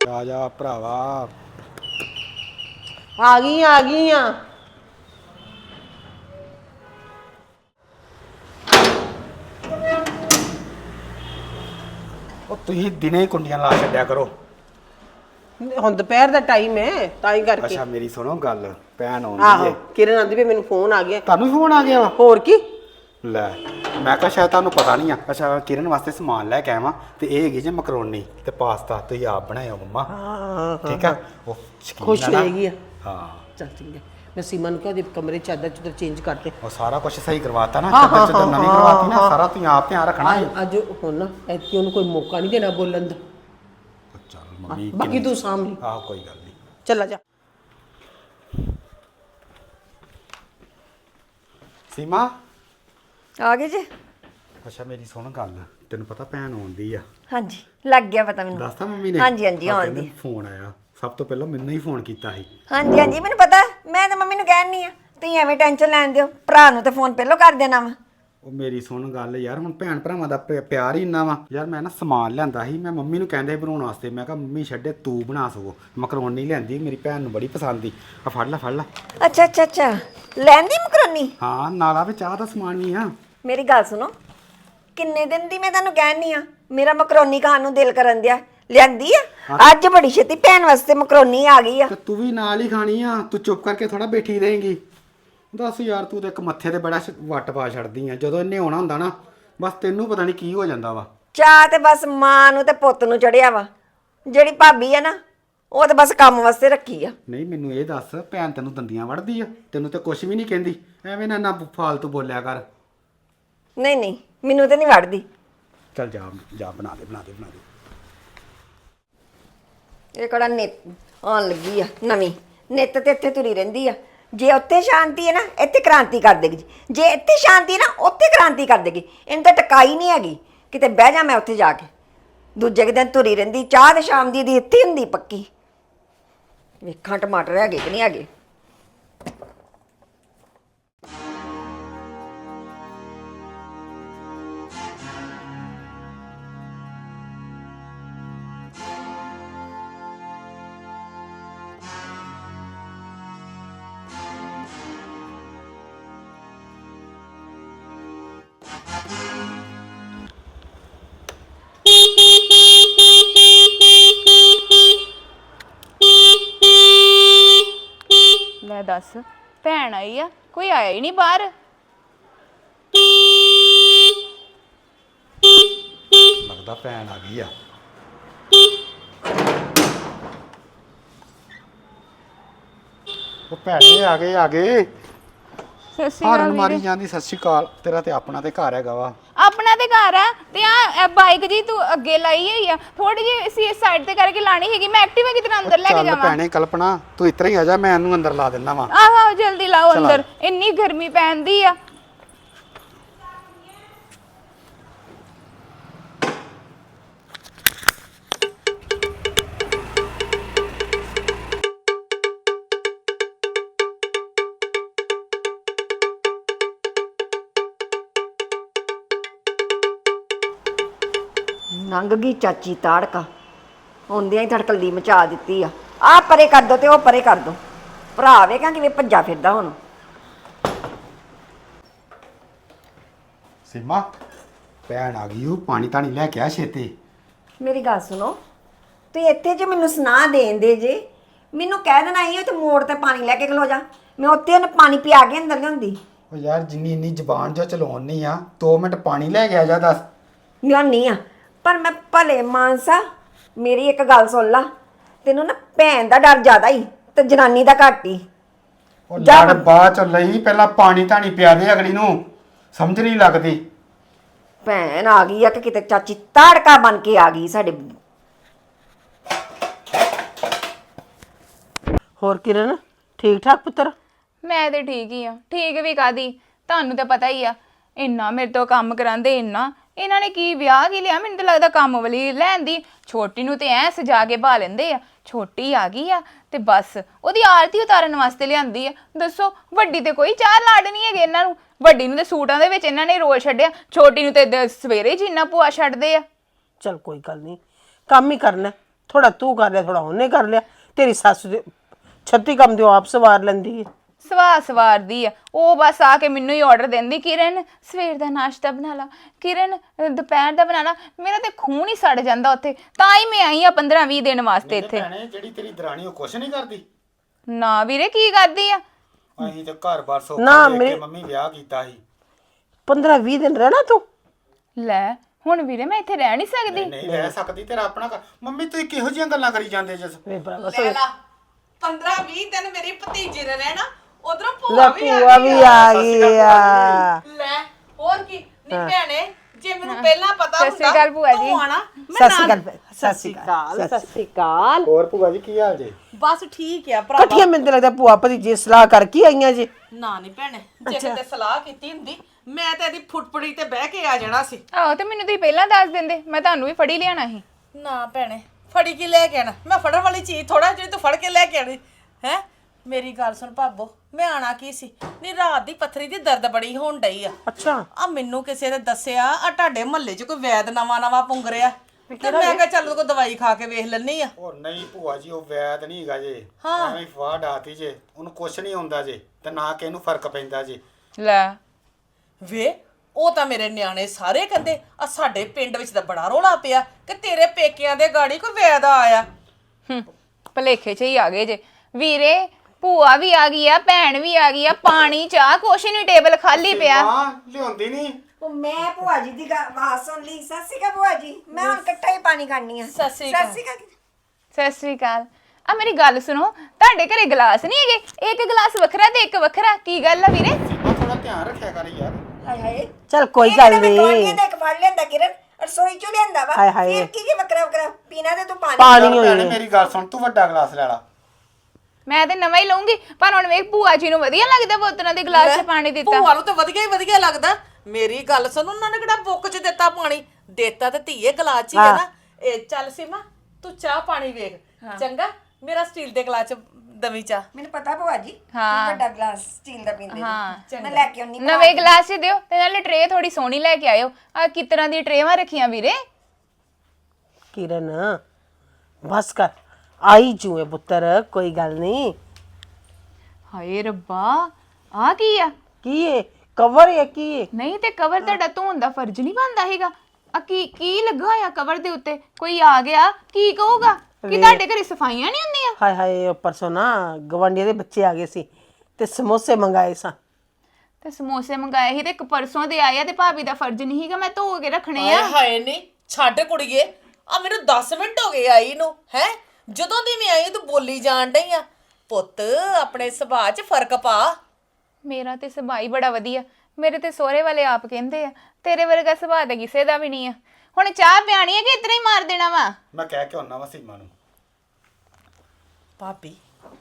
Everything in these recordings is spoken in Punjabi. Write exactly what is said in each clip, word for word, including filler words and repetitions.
ਆ ਜਾ ਭਰਾਵਾ। ਆ ਗਈ ਆ ਗਈ ਆ। ਉਹ ਤੁਸੀਂ ਦਿਨੇ ਕੁੰਡੀਆਂ ਲਾ ਛੱਡਿਆ ਕਰੋ। ਹੁਣ ਦੁਪਹਿਰ ਦਾ ਟਾਈਮ ਹੈ ਤਾਂ ਹੀ ਕਰਕੇ। ਅੱਛਾ ਮੇਰੀ ਸੁਣੋ ਗੱਲ, ਭੈਣ ਆਉਂਦੀ ਆਹੋ ਏ। ਕਿਰਨ ਆਂਦੀ ਵੀ ਮੈਨੂੰ ਫੋਨ ਆ ਗਿਆ। ਤੁਹਾਨੂੰ ਫੋਨ ਆ ਗਿਆ ਵਾ? ਹੋਰ ਕੀ। ਲੈ ਮੈਂ ਕਿਹਾ ਸ਼ਾਇਦ ਤੁਹਾਨੂੰ ਪਤਾ ਨਹੀਂ ਆ। ਅੱਛਾ ਕਿਰਨ ਵਾਸਤੇ ਸਮਾਨ ਲੈ ਕੇ ਆਵਾਂ ਤੇ ਇਹ ਹੈਗੀ ਜੇ ਮਕਰੋਨੀ ਤੇ ਪਾਸਤਾ ਤੁਸੀਂ ਆਪ ਬਣਾਇਓ ਮੰਮਾ। ਹਾਂ ਠੀਕ ਆ ਉਹ ਸ਼ਕੀਨ ਖੁਸ਼ ਆ ਨਾ। ਹੋਏਗੀ ਆ। ਹਾਂ ਚੱਲ ਠੀਕ ਹੈ। ਮੈਂ ਸੀਮਾ ਨੂੰ ਕਿਹਾ ਉਹਦੇ ਕਮਰੇ ਚਾਦਰ ਚੁਦਰ ਚੇਂਜ ਕਰਦੇ। ਉਹ ਸਾਰਾ ਕੁਝ ਸਹੀ ਕਰਵਾਤਾ ਨਾ। ਹਾਂ, ਚਾਦਰ ਚੁਦਰ ਹਾਂ, ਨਵੀਂ ਹਾਂ, ਕਰਵਾਤੀ ਨਾ। ਹਾਂ। ਸਾਰਾ ਤੁਸੀਂ ਆਪ ਧਿਆਨ ਰੱਖਣਾ ਹੈ। ਅੱਜ ਹੁਣ ਨਾ ਐਤਕੀ ਉਹਨੂੰ ਕੋਈ ਮੌਕਾ ਨਹੀਂ ਦੇਣਾ ਬੋਲਣ ਦਾ। ਚੱਲ ਮੰਮੀ ਬਾਕੀ ਤੂੰ ਸਾਂਭ ਲਈ। ਆਹ ਕੋਈ ਗੱਲ ਨਹੀਂ। ਚੱਲ ਆ ਜਾ। ਸੀਮਾ ਆ ਗਏ ਜੀ। ਅੱਛਾ ਮੇਰੀ ਸੁਣ ਗੱਲ, ਤੈਨੂੰ ਪਤਾ ਭੈਣ ਆਉਂਦੀ ਆ? ਹਾਂਜੀ ਲੱਗ ਗਿਆ ਪਤਾ ਮੈਨੂੰ। ਦੱਸਤਾ ਮੰਮੀ ਨੇ? ਹਾਂਜੀ ਹਾਂਜੀ ਆਹ ਆਉਂਦੀ। ਕਹਿੰਦੇ ਫੋਨ ਆਇਆ, ਸਭ ਤੋਂ ਪਹਿਲਾਂ ਮੈਨੂੰ ਹੀ ਫੋਨ ਕੀਤਾ ਸੀ। ਹਾਂਜੀ ਹਾਂਜੀ ਮੈਨੂੰ ਪਤਾ, ਮੈਂ ਤਾਂ ਮੰਮੀ ਨੂੰ ਕਹਿਣ ਨਹੀਂ ਆ ਤੁਸੀਂ ਐਵੇਂ ਟੈਨਸ਼ਨ ਲੈਣ ਦਿਓ, ਭਰਾ ਨੂੰ ਤਾਂ ਫੋਨ ਪਹਿਲਾਂ ਕਰ ਦੇਣਾ ਵਾ। ਉਹ ਮੇਰੀ ਸੁਣ ਗੱਲ ਯਾਰ, ਹੁਣ ਭੈਣ ਭਰਾਵਾਂ ਦਾ ਪ- ਪਿਆਰ ਹੀ ਇੰਨਾ ਵਾ ਯਾਰ। ਮੈਂ ਨਾ ਸਮਾਨ ਲਿਆਂਦਾ ਸੀ, ਮੈਂ ਮੰਮੀ ਨੂੰ ਕਹਿੰਦੇ ਬਣਾਉਣ ਵਾਸਤੇ। ਮੈਂ ਕਿਹਾ ਮੰਮੀ ਛੱਡੇ ਤੂੰ ਬਣਾ ਸਕੋ। ਮਕਰੋਨੀ ਲਿਆਂਦੀ, ਮੇਰੀ ਭੈਣ ਨੂੰ ਬੜੀ ਪਸੰਦ ਦੀ। ਆ ਫੜ ਲੈ ਫੜ ਲੈ। ਅੱਛਾ ਅੱਛਾ ਅੱਛਾ ਲੈਂਦੀ ਮਕਰੋਨੀ? ਹਾਂ ਨਾਲ ਆ ਵੀ ਚਾਹ ਦਾ ਸਮਾਨ ਵੀ ਆ। ਮੇਰੀ ਗੱਲ ਸੁਣੋ, ਕਿੰਨੇ ਦਿਨ ਦੀ ਮੈਂ ਤੁਹਾਨੂੰ ਕਹਿਣ ਨਹੀਂ ਆ ਮੇਰਾ ਮਕਰੋਨੀ ਖਾਣ ਨੂੰ ਦਿਲ ਕਰਨ ਦਿਆ। ਲਿਆਂਦੀ ਆ ਅੱਜ ਬੜੀ ਛੇਤੀ ਭੈਣ ਵਾਸਤੇ ਮਕਰੋਨੀ ਆ ਗਈ ਆ। ਤੇ ਤੂੰ ਵੀ ਨਾਲ ਹੀ ਖਾਣੀ ਆ, ਤੂੰ ਚੁੱਪ ਕਰਕੇ ਥੋੜਾ ਬੈਠੀ ਰਹੇਂਗੀ। ਦੱਸ ਯਾਰ, ਤੂੰ ਤੇ ਇੱਕ ਮੱਥੇ ਤੇ ਬੜਾ ਸ਼- ਵੱਟ ਪਾ ਛੱਡਦੀ ਆ। ਜਦੋਂ ਇਹਨੇ ਆਉਣਾ ਹੁੰਦਾ ਨਾ, ਬਸ ਤੈਨੂੰ ਪਤਾ ਨਹੀਂ ਕੀ ਹੋ ਜਾਂਦਾ ਵਾ। ਚਾਹ ਤੇ ਬਸ ਮਾਂ ਨੂੰ ਤੇ ਪੁੱਤ ਨੂੰ ਚੜਿਆ ਵਾ। ਜਿਹੜੀ ਭਾਬੀ ਆ ਨਾ, ਉਹ ਤਾਂ ਬਸ ਕੰਮ ਵਾਸਤੇ ਰੱਖੀ ਆ। ਨਹੀਂ ਮੈਨੂੰ ਇਹ ਦੱਸ, ਭੈਣ ਤੈਨੂੰ ਦੰਦੀਆਂ ਵੜਦੀ ਆ? ਤੈਨੂੰ ਤੇ ਕੁਝ ਵੀ ਨਹੀਂ ਕਹਿੰਦੀ। ਐਵੇਂ ਨਾ ਨਾ ਫਾਲਤੂ ਬੋਲਿਆ ਕਰ। ਨਹੀਂ ਨਹੀਂ ਮੈਨੂੰ ਤੇ ਨਹੀਂ ਵੜਦੀ। ਚੱਲ ਜਾ ਜਾ ਬਣਾ ਦੇ ਬਣਾ ਦੇ ਬਣਾ ਦੇ। ਇਹ ਕਿਹੜਾ ਨਿੱਤ ਆਉਣ ਲੱਗੀ ਆ ਨਵੀਂ ਨਿੱਤ ਤੇ ਇੱਥੇ ਤੁਰੀ ਰਹਿੰਦੀ ਆ। ਜੇ ਉੱਥੇ ਸ਼ਾਂਤੀ ਹੈ ਨਾ, ਇੱਥੇ ਕ੍ਰਾਂਤੀ ਕਰ ਦੇਗੀ। ਜੇ ਇੱਥੇ ਸ਼ਾਂਤੀ ਹੈ ਨਾ, ਉੱਥੇ ਕ੍ਰਾਂਤੀ ਕਰ ਦੇਗੀ। ਇਹਨੂੰ ਤਾਂ ਟਕਾਈ ਨਹੀਂ ਹੈਗੀ। ਕਿਤੇ ਬਹਿ ਜਾ ਮੈਂ ਉੱਥੇ ਜਾ ਕੇ। ਦੂਜੇ ਕੁ ਦਿਨ ਤੁਰੀ ਰਹਿੰਦੀ। ਚਾਹ ਤੇ ਸ਼ਾਮ ਦੀ ਦੀ ਇੱਥੇ ਹੁੰਦੀ ਪੱਕੀ। ਵੇਖਾਂ ਟਮਾਟਰ ਹੈਗੇ ਕਿ ਨਹੀਂ ਹੈਗੇ। ਲੈ ਦੱਸ, ਭੈਣ ਆਈ ਆ, ਕੋਈ ਆਇਆ ਹੀ ਨਹੀਂ ਬਾਹਰ। ਲੱਗਦਾ ਭੈਣ ਆ ਗਈ ਆ। ਉਹ ਭੈਣੇ ਆ ਗਏ ਆ ਗਏ। ਸਤਿ ਸ਼੍ਰੀ ਹਾਰਨ ਅਕਾਲ ਮਾਰੀ ਵੀਰੇ। ਜਾਂਦੀ। ਸਤਿ ਸ਼੍ਰੀ ਅਕਾਲ। ਤੇਰਾ ਤੇ ਆਪਣਾ ਤੇ ਘਰ ਹੈਗਾ ਵਾ। ਆਪਣਾ ਤੇ ਘਰ ਆ ਤੇ ਆ ਬਾਈਕ ਜੀ ਤੂੰ ਅੱਗੇ ਲਾਈ ਹੋਈ ਆ, ਥੋੜੀ ਜਿਹੀ ਸੀ ਸਾਈਡ ਤੇ ਕਰਕੇ ਲਾਣੀ ਹੈਗੀ। ਮੈਂ ਐਕਟਿਵਾ ਕਿਤੇ ਅੰਦਰ ਲੈ ਕੇ ਚੱਲ ਜਾਵਾਂ? ਭੈਣੇ ਕਲਪਨਾ, ਤੂੰ ਇਤਰਾ ਹੀ ਆ ਜਾ, ਮੈਂ ਇਹਨੂੰ ਅੰਦਰ ਲਾ ਦਿੰਦਾ ਵਾ। ਆਹੋ ਆਹੋ ਜਲਦੀ ਲਾਓ ਚਲ ਆ। ਅੰਦਰ, ਇੰਨੀ ਗਰਮੀ ਪੈਂਦੀ ਆ। ਲੰਘ ਗਈ ਚਾਚੀ ਤਾੜਕਾ। ਹੁੰਦਿਆਂ ਹੀ ਧੜਕਲੀ ਮਚਾ ਦਿੱਤੀ ਆ। ਆਹ ਪਰੇ ਕਰ ਦੋ ਤੇ ਉਹ ਪਰੇ ਕਰ ਦੋ। ਭਰਾ ਵੇਖਾਂ ਕਿਵੇਂ ਭੱਜਾ ਫਿਰਦਾ ਹੁਣ। ਸੀਮਾ ਭੈਣ ਆ ਗਈ। ਉਹ ਪਾਣੀ ਤਾਣੀ ਲੈ ਕੇ ਆ ਛੇਤੀ। ਮੇਰੀ ਗੱਲ ਸੁਣੋ, ਤੁਸੀਂ ਇੱਥੇ ਜੇ ਮੈਨੂੰ ਸੁਣਾ ਦੇਣ ਦੇ ਜੇ, ਮੈਨੂੰ ਕਹਿ ਦੇਣਾ ਹੀ ਤੇ ਮੋੜ ਤੇ ਪਾਣੀ ਲੈ ਕੇ ਖਲੋ ਜਾ। ਮੈਂ ਉੱਥੇ ਉਹਨੂੰ ਪਾਣੀ ਪਿਆ ਕੇ ਅੰਦਰ ਲਿਆਉਂਦੀ। ਉਹ ਯਾਰ ਜਿੰਨੀ ਇੰਨੀ ਜ਼ਬਾਨ ਜੋ ਚਲਾਉਣੀ ਆ, ਦੋ ਮਿੰਟ ਪਾਣੀ ਲੈ ਕੇ ਆ ਜਾ। ਦੱਸ ਲਿਆਉਣੀ ਆ, ਪਰ ਮੈਂ ਭਲੇ ਮਾਨਸਾ ਮੇਰੀ ਇੱਕ ਗੱਲ ਸੁਣ ਲਾ। ਤੈਨੂੰ ਨਾ ਭੈਣ ਦਾ ਡਰ ਜ਼ਿਆਦਾ ਹੀ ਤੇ ਜਨਾਨੀ ਦਾ ਘੱਟ ਹੀ। ਉਹ ਜਾ ਲੜ ਬਾਅਦ ਚ ਲਈ, ਪਹਿਲਾਂ ਪਾਣੀ ਤਾਣੀ ਪਿਆ ਦੇ ਅਗਲੀ ਨੂੰ। ਸਮਝ ਨਹੀਂ ਲੱਗਦੀ। ਭੈਣ ਆ ਗਈ ਆ ਕਿ ਕਿਤੇ ਚਾਚੀ ਤਾੜਕਾ ਬਣ ਕੇ ਆ ਗਈ ਸਾਡੇ। ਹੋਰ ਕਿਰਨ ਠੀਕ ਠਾਕ ਪੁੱਤਰ? ਮੈਂ ਤੇ ਠੀਕ ਹੀ ਆ। ਠੀਕ ਵੀ ਕਾਦੀ, ਤੁਹਾਨੂੰ ਤਾਂ ਪਤਾ ਹੀ ਆ। ਇੰਨਾ ਮੇਰੇ ਤੋਂ ਕੰਮ ਕਰਾਂਦੇ, ਇੰਨਾ ਇਹਨਾਂ ਨੇ ਕੀ ਵਿਆਹ ਕੀ ਲਿਆ। ਮੈਨੂੰ ਤਾਂ ਲੱਗਦਾ ਕੰਮ ਵਾਲੀ ਲੈਂਦੀ। ਛੋਟੀ ਨੂੰ ਤੇ ਐ ਸਜਾ ਕੇ ਭਾ ਲੈਂਦੇ ਆ। ਛੋਟੀ ਆ ਗਈ ਆ ਤੇ ਬਸ ਉਹਦੀ ਆਰਤੀ ਉਤਾਰਨ ਵਾਸਤੇ ਲਿਆਂਦੀ ਆ। ਦੱਸੋ ਵੱਡੀ ਤੇ ਕੋਈ ਚਾਰ ਲਾਡ ਨਹੀਂ ਹੈਗੇ ਇਹਨਾਂ ਨੂੰ। ਵੱਡੀ ਨੂੰ ਤੇ ਸੂਟਾਂ ਦੇ ਵਿੱਚ ਇਹਨਾਂ ਨੇ ਰੋਲ ਛੱਡਿਆ, ਛੋਟੀ ਨੂੰ ਤੇ ਦ- ਸਵੇਰੇ ਜੀਨਾ ਭੂਆ ਛੱਡਦੇ ਆ। ਚਲ ਕੋਈ ਗੱਲ ਨਹੀਂ, ਕੰਮ ਹੀ ਕਰਨਾ। ਥੋੜਾ ਤੂੰ ਕਰ ਲਿਆ ਥੋੜਾ ਉਹਨੇ ਕਰ ਲਿਆ। ਤੇਰੀ ਸੱਸ ਦੇ ਛੱਤੀ ਕੰਮ ਦਿਓ ਆਪ ਸਵਾਰ ਲੈਂਦੀ ਹੈ। ਸਵਾ ਸਵਾਰਦੀ ਆ ਉਹ, ਬਸ ਆ ਕੇ ਮੈਨੂੰ ਹੀ ਆਰਡਰ ਦਿੰਦੀ, ਕਿਰਨ ਸਵੇਰ ਦਾ ਨਾਸ਼ਤਾ ਬਣਾ ਲਾ, ਕਿਰਨ ਦੁਪਹਿਰ ਦਾ ਬਣਾ ਲਾ। ਮੇਰਾ ਤੇ ਖੂਨ ਹੀ ਸੜ ਜਾਂਦਾ ਉੱਥੇ, ਤਾਂ ਹੀ ਮੈਂ ਆਈ ਆ ਪੰਦਰਾਂ ਵੀਹ ਦਿਨ ਵਾਸਤੇ ਇੱਥੇ। ਭੈਣੇ ਜਿਹੜੀ ਤੇਰੀ ਦਰਾਣੀ ਉਹ ਕੁਛ ਨਹੀਂ ਕਰਦੀ? ਨਾ ਵੀਰੇ ਕੀ ਕਰਦੀ ਆ? ਅਸੀਂ ਤੇ ਘਰ-ਬਾਰ ਨਾ, ਸੌਖਾ ਦੇਖ ਮੇਰੇ- ਕੇ ਮੰਮੀ ਵਿਆਹ ਕੀਤਾ ਸੀ। ਪੰਦਰਾਂ ਵੀਹ ਦਿਨ ਰਹਿਣਾ ਤੂੰ? ਲੈ ਹੁਣ ਵੀਰੇ ਮੈਂ ਇੱਥੇ ਰਹਿ ਨਹੀਂ ਸਕਦੀ। ਨਹੀਂ ਰਹਿ ਸਕਦੀ, ਤੇਰਾ ਆਪਣਾ ਘਰ। ਮੰਮੀ ਤੁਸੀਂ ਕਿਹੋ ਜਿਹੀਆਂ ਗੱਲਾਂ ਕਰੀ ਜਾਂਦੇ ਜਿਸ ਵੇ ਭਰਾਵਾ ਲੈ ਲਾ ਪੰਦਰਾਂ ਵੀਹ ਦਿਨ ਮੇਰੀ ਭਤੀਜੀ ਨੇ ਰਹਿਣਾ, ਉਧਰੋਂ ਭੂਆ ਲੈ ਵੀ ਆ ਭੂਆ ਗਈ ਵੀ ਆ ਗਈ ਆ। ਲੈ ਹੋਰ ਕੀ ਨਹੀਂ ਭੈਣੇ, ਜੇ ਮੈਨੂੰ ਪਹਿਲਾਂ ਪਤਾ ਸਤਿ ਸ਼੍ਰੀ ਅਕਾਲ ਭੂਆ ਜੀ। ਤੂੰ ਆਣਾ ਸਤਿ ਸ਼੍ਰੀ ਅਕਾਲ ਸਤਿ ਸ਼੍ਰੀ ਅਕਾਲ ਸਤਿ ਸ਼੍ਰੀ ਅਕਾਲ। ਹੋਰ ਭੂਆ ਜੀ ਕੀ ਹਾਲ ਜੇ? ਬਸ ਠੀਕ ਆ ਭਰਾ। ਇਕੱਠੀਆਂ ਮੈਨੂੰ ਤਾਂ ਲੱਗਦਾ ਭੂਆ ਭਤੀਜੀ ਸਲਾਹ ਕਰਕੇ ਆਈਆਂ ਜੀ। ਨਾ ਨਹੀਂ ਭੈਣੇ, ਜੇ ਕਿਤੇ ਸਲਾਹ ਕੀਤੀ ਹੁੰਦੀ ਮੈਂ ਤੇ ਇਹਦੀ ਫੁੱਟਪੜੀ ਤੇ ਬਹਿ ਕੇ ਆ ਜਾਣਾ ਸੀ। ਆਹੋ ਤੇ ਮੈਨੂੰ ਤੁਸੀਂ ਪਹਿਲਾਂ ਦੱਸ ਦਿੰਦੇ, ਮੈਂ ਤੁਹਾਨੂੰ ਵੀ ਫੜੀ ਲਿਆਣਾ ਸੀ। ਨਾ ਭੈਣੇ, ਫੜੀ ਕੀ ਲੈ ਕੇ ਆਣਾ? ਮੈਂ ਫੜਨ ਵਾਲੀ ਚੀਜ਼ ਥੋੜਾ ਜਿਹੜੀ ਤੂੰ ਫੜ ਕੇ ਲੈ ਕੇ ਆਣੀ ਹੈ। ਮੇਰੀ ਗੱਲ ਸੁਣ ਭਾਬੋ, ਮੈਂ ਆਣਾ ਕੀ ਸੀ? ਨਹੀਂ ਰਾਤ ਦੀ ਪੱਥਰੀ ਦੀ ਦਰਦ ਬੜੀ ਹੋਣ ਡਈ ਆ। ਅੱਛਾ ਆ ਮੈਨੂੰ ਕਿਸੇ ਨੇ ਦੱਸਿਆ ਆ ਤੁਹਾਡੇ ਮਹੱਲੇ 'ਚ ਕੋਈ ਵੈਦ ਨਵਾਂ ਨਵਾਂ ਪੁੰਗ ਰਿਹਾ, ਤੇ ਮੈਂ ਕਿਹਾ ਚੱਲ ਕੋਈ ਦਵਾਈ ਖਾ ਕੇ ਵੇਖ ਲੈਣੀ ਆ। ਉਹ ਨਹੀਂ ਭੂਆ ਜੀ, ਉਹ ਵੈਦ ਨਹੀਂ ਹੈਗਾ ਜੇ, ਐਵੇਂ ਹੀ ਫਾਹ ਡਾਤੀ ਜੇ। ਉਹਨੂੰ ਕੁਛ ਨਹੀਂ ਹੁੰਦਾ ਜੇ, ਤੇ ਨਾ ਕਿ ਇਹਨੂੰ ਫਰਕ ਪੈਂਦਾ ਜੇ। ਲੈ ਵੇ ਉਹ ਤਾਂ ਮੇਰੇ ਨਿਆਣੇ ਸਾਰੇ ਕਹਿੰਦੇ ਆ ਸਾਡੇ ਪਿੰਡ ਵਿੱਚ ਤਾਂ ਬੜਾ ਰੋਲਾ ਪਿਆ ਕਿ ਤੇਰੇ ਪੇਕਿਆਂ ਦੇ ਗਾੜੀ ਕੋਈ ਵੈਦ ਆਇਆ। ਹੂੰ ਭਲੇਖੇ 'ਚ ਹੀ ਆ ਗਏ ਜੇ ਵੀਰੇ। ਭੂਆ ਵੀ ਆ ਗਈ ਆ, ਭੈਣ ਵੀ ਆ ਗਈ ਆ, ਪਾਣੀ ਚਾਹ ਕੁਛ ਨਹੀਂ, ਟੇਬਲ ਖਾਲੀ ਪਿਆ। ਹਾਂ ਲਿਆਉਂਦੀ ਨਹੀਂ। ਉਹ ਮੈਂ ਭੂਆ ਜੀ ਦੀ ਗਾ- ਆਵਾਜ਼ ਸੁਣ ਲਈ। ਸਤਿ ਸ਼੍ਰੀ ਅਕਾਲ ਭੂਆ ਜੀ, ਮੈਂ ਹੁਣ ਇਕੱਠਾ ਹੀ ਪਾਣੀ ਖਾਣੀ ਆ। ਸਤਿ ਸ਼੍ਰੀ ਅਕਾਲ। ਸਤਿ ਸ਼੍ਰੀ ਅਕਾਲ। ਸਤਿ ਸ੍ਰੀ ਅਕਾਲ। ਆ ਮੇਰੀ ਗੱਲ ਸੁਣੋ, ਤੁਹਾਡੇ ਘਰੇ ਗਲਾਸ ਨਹੀਂ ਹੈਗੇ? ਇੱਕ ਗਲਾਸ ਵੱਖਰਾ ਤੇ ਇੱਕ ਵੱਖਰਾ, ਕੀ ਗੱਲ ਆ ਵੀਰੇ? ਸੀਮਾ ਥੋੜਾ ਧਿਆਨ ਰੱਖਿਆ ਕਰ ਯਾਰ। ਹਾਏ ਹਾਏ, ਚਲ ਕੋਈ ਇਹ ਗੱਲ ਕਿਹੜਾ ਮੈਂ ਨਹੀਂ। ਟੋਲਕੇ ਦਾ ਇੱਕ ਫੜ ਲਿਆਂਦਾ ਕਿਰਨ, ਰਸੋਈ ਚੋਂ ਲਿਆਂਦਾ ਵਾ। ਹਾਏ ਹਾਏ। ਫਿਰ ਕੀ ਜੇ ਵੱਖਰਾ ਵੱਖਰਾ ਪੀਣਾ ਤੇ ਤੂੰ ਪਾਣੀ। ਪਾਣੀ ਚੱਲ ਹੋਈ ਭੈਣੇ ਹੈ। ਮੇਰੀ ਗੱਲ ਸੁਣ, ਤੂੰ ਵੱਡਾ ਗਲਾਸ ਲੈ ਲਾ। ਮੈਂ ਤੇ ਨਵਾਂ ਹੀ ਲਊਂਗੀ, ਪਰ ਹੁਣ ਵੇਖ ਭੂਆ ਜੀ ਨੂੰ ਵਧੀਆ ਲੱਗਦਾ ਬੋਤਲਾਂ ਦੇ ਗਲਾਸ 'ਚ ਪਾਣੀ ਦਿੱਤਾ। ਭੂਆ ਨੂੰ ਤਾਂ ਵਧੀਆ ਹੀ ਵਧੀਆ ਲੱਗਦਾ। ਮੇਰੀ ਗੱਲ ਸੁਣ, ਉਹਨਾਂ ਨੇ ਕਿਹੜਾ ਬੁੱਕ 'ਚ ਦਿੱਤਾ ਪਾਣੀ? ਦਿੱਤਾ ਤੇ ਧੀਏ ਗਲਾਸ 'ਚ ਹੀ ਹੈ ਨਾ। ਇਹ ਚੱਲ ਸੀਮਾ ਤੂੰ ਚਾਹ ਪਾਣੀ ਵੇਖ ਚੰਗਾ, ਮੇਰਾ ਸਟੀਲ ਦੇ ਗਲਾਸ 'ਚ ਦਵੀ ਚਾਹ। ਮੈਨੂੰ ਪਤਾ ਭੂਆ ਜੀ, ਹਾਂ। ਤੂੰ ਵੱਡਾ ਗਲਾਸ ਸਟੀਲ ਦਾ ਪੀਂਦੇ ਹਾਂ। ਮੈਂ ਲੈ ਕੇ ਆਉਣੀ। ਨਵੇਂ ਗਲਾਸ 'ਚ ਦਿਓ, ਤੇ ਨਾਲੇ ਟਰੇ ਥੋੜੀ ਸੋਹਣੀ ਲੈ ਕੇ ਆਇਓ। ਆ ਕਿ ਤਰ੍ਹਾਂ ਦੀ ਟਰੇਵਾਂ ਰੱਖੀਆਂ ਵੀਰੇ? ਕਿਰਨ ਬਸ ਕਰ, ਆਈ ਜੂਏ ਪੁੱਤਰ, ਕੋਈ ਗੱਲ ਨਹੀਂ। ਹਾਏ ਰੱਬਾ, ਆ ਕੀ ਆ? ਕੀ ਹੈ ਕਵਰ ਹੈ? ਕੀ ਹੈ? ਨਹੀਂ ਤੇ ਕਵਰ ਤੁਹਾਡਾ ਧੋਣ ਦਾ ਫਰਜ਼ ਨਹੀਂ ਬਣਦਾ ਹੈਗਾ? ਆ ਕੀ ਕੀ ਲੱਗਾ ਹੋਇਆ ਕਵਰ ਦੇ ਉੱਤੇ? ਕੋਈ ਆ ਗਿਆ ਕੀ ਕਹੂਗਾ ਕਿ ਤੁਹਾਡੇ ਘਰੇ ਸਫਾਈਆਂ ਨਹੀਂ ਹੁੰਦੀਆਂ? ਹਾਏ ਹਾਏ, ਉਹ ਪਰਸੋਂ ਨਾ ਗਵਾਂਢੀਆਂ ਦੇ ਬੱਚੇ ਆ ਗਏ ਸੀ ਤੇ ਸਮੋਸੇ ਮੰਗਾਏ ਸਾਂ। ਤੇ ਸਮੋਸੇ ਮੰਗਾਏ ਸੀ ਤੇ ਇੱਕ ਪਰਸੋਂ ਦੇ ਆਏ ਆ, ਤੇ ਭਾਬੀ ਦਾ ਫਰਜ਼ ਨਹੀਂ ਹੈਗਾ ਮੈਂ ਧੋ ਕੇ ਰੱਖਣੇ ਹਾਏ ਆ? ਹਾਏ ਨਹੀਂ ਛੱਡ ਕੁੜੀਏ, ਆ ਮੈਨੂੰ ਦਸ ਮਿੰਟ ਹੋ ਗਏ ਆਈ ਨੂੰ ਹੈ। ਜਦੋਂ ਦੀ ਮੈਂ ਆਈ ਤੂੰ ਬੋਲੀ ਜਾਣ ਡਈ ਆ। ਪੁੱਤ ਆਪਣੇ ਸੁਭਾਅ 'ਚ ਫਰਕ ਪਾ। ਮੇਰਾ ਤੇ ਸੁਭਾਅ ਹੀ ਬੜਾ ਵਧੀਆ। ਮੇਰੇ ਤੇ ਸਹੁਰੇ ਵਾਲੇ ਆਪ ਕਹਿੰਦੇ ਆ ਤੇਰੇ ਵਰਗਾ ਸੁਭਾਅ ਤਾਂ ਕਿਸੇ ਦਾ ਵੀ ਨਹੀਂ ਆ। ਹੁਣ ਚਾਹ ਪਿਆਣੀ ਹੈ ਕਿ ਇਤਨਾ ਹੀ ਮਾਰ ਦੇਣਾ ਵਾ? ਮੈਂ ਕਹਿ ਕੇ ਆਉਣਾ ਵਾ ਸੀਮਾ ਨੂੰ। ਭਾਬੀ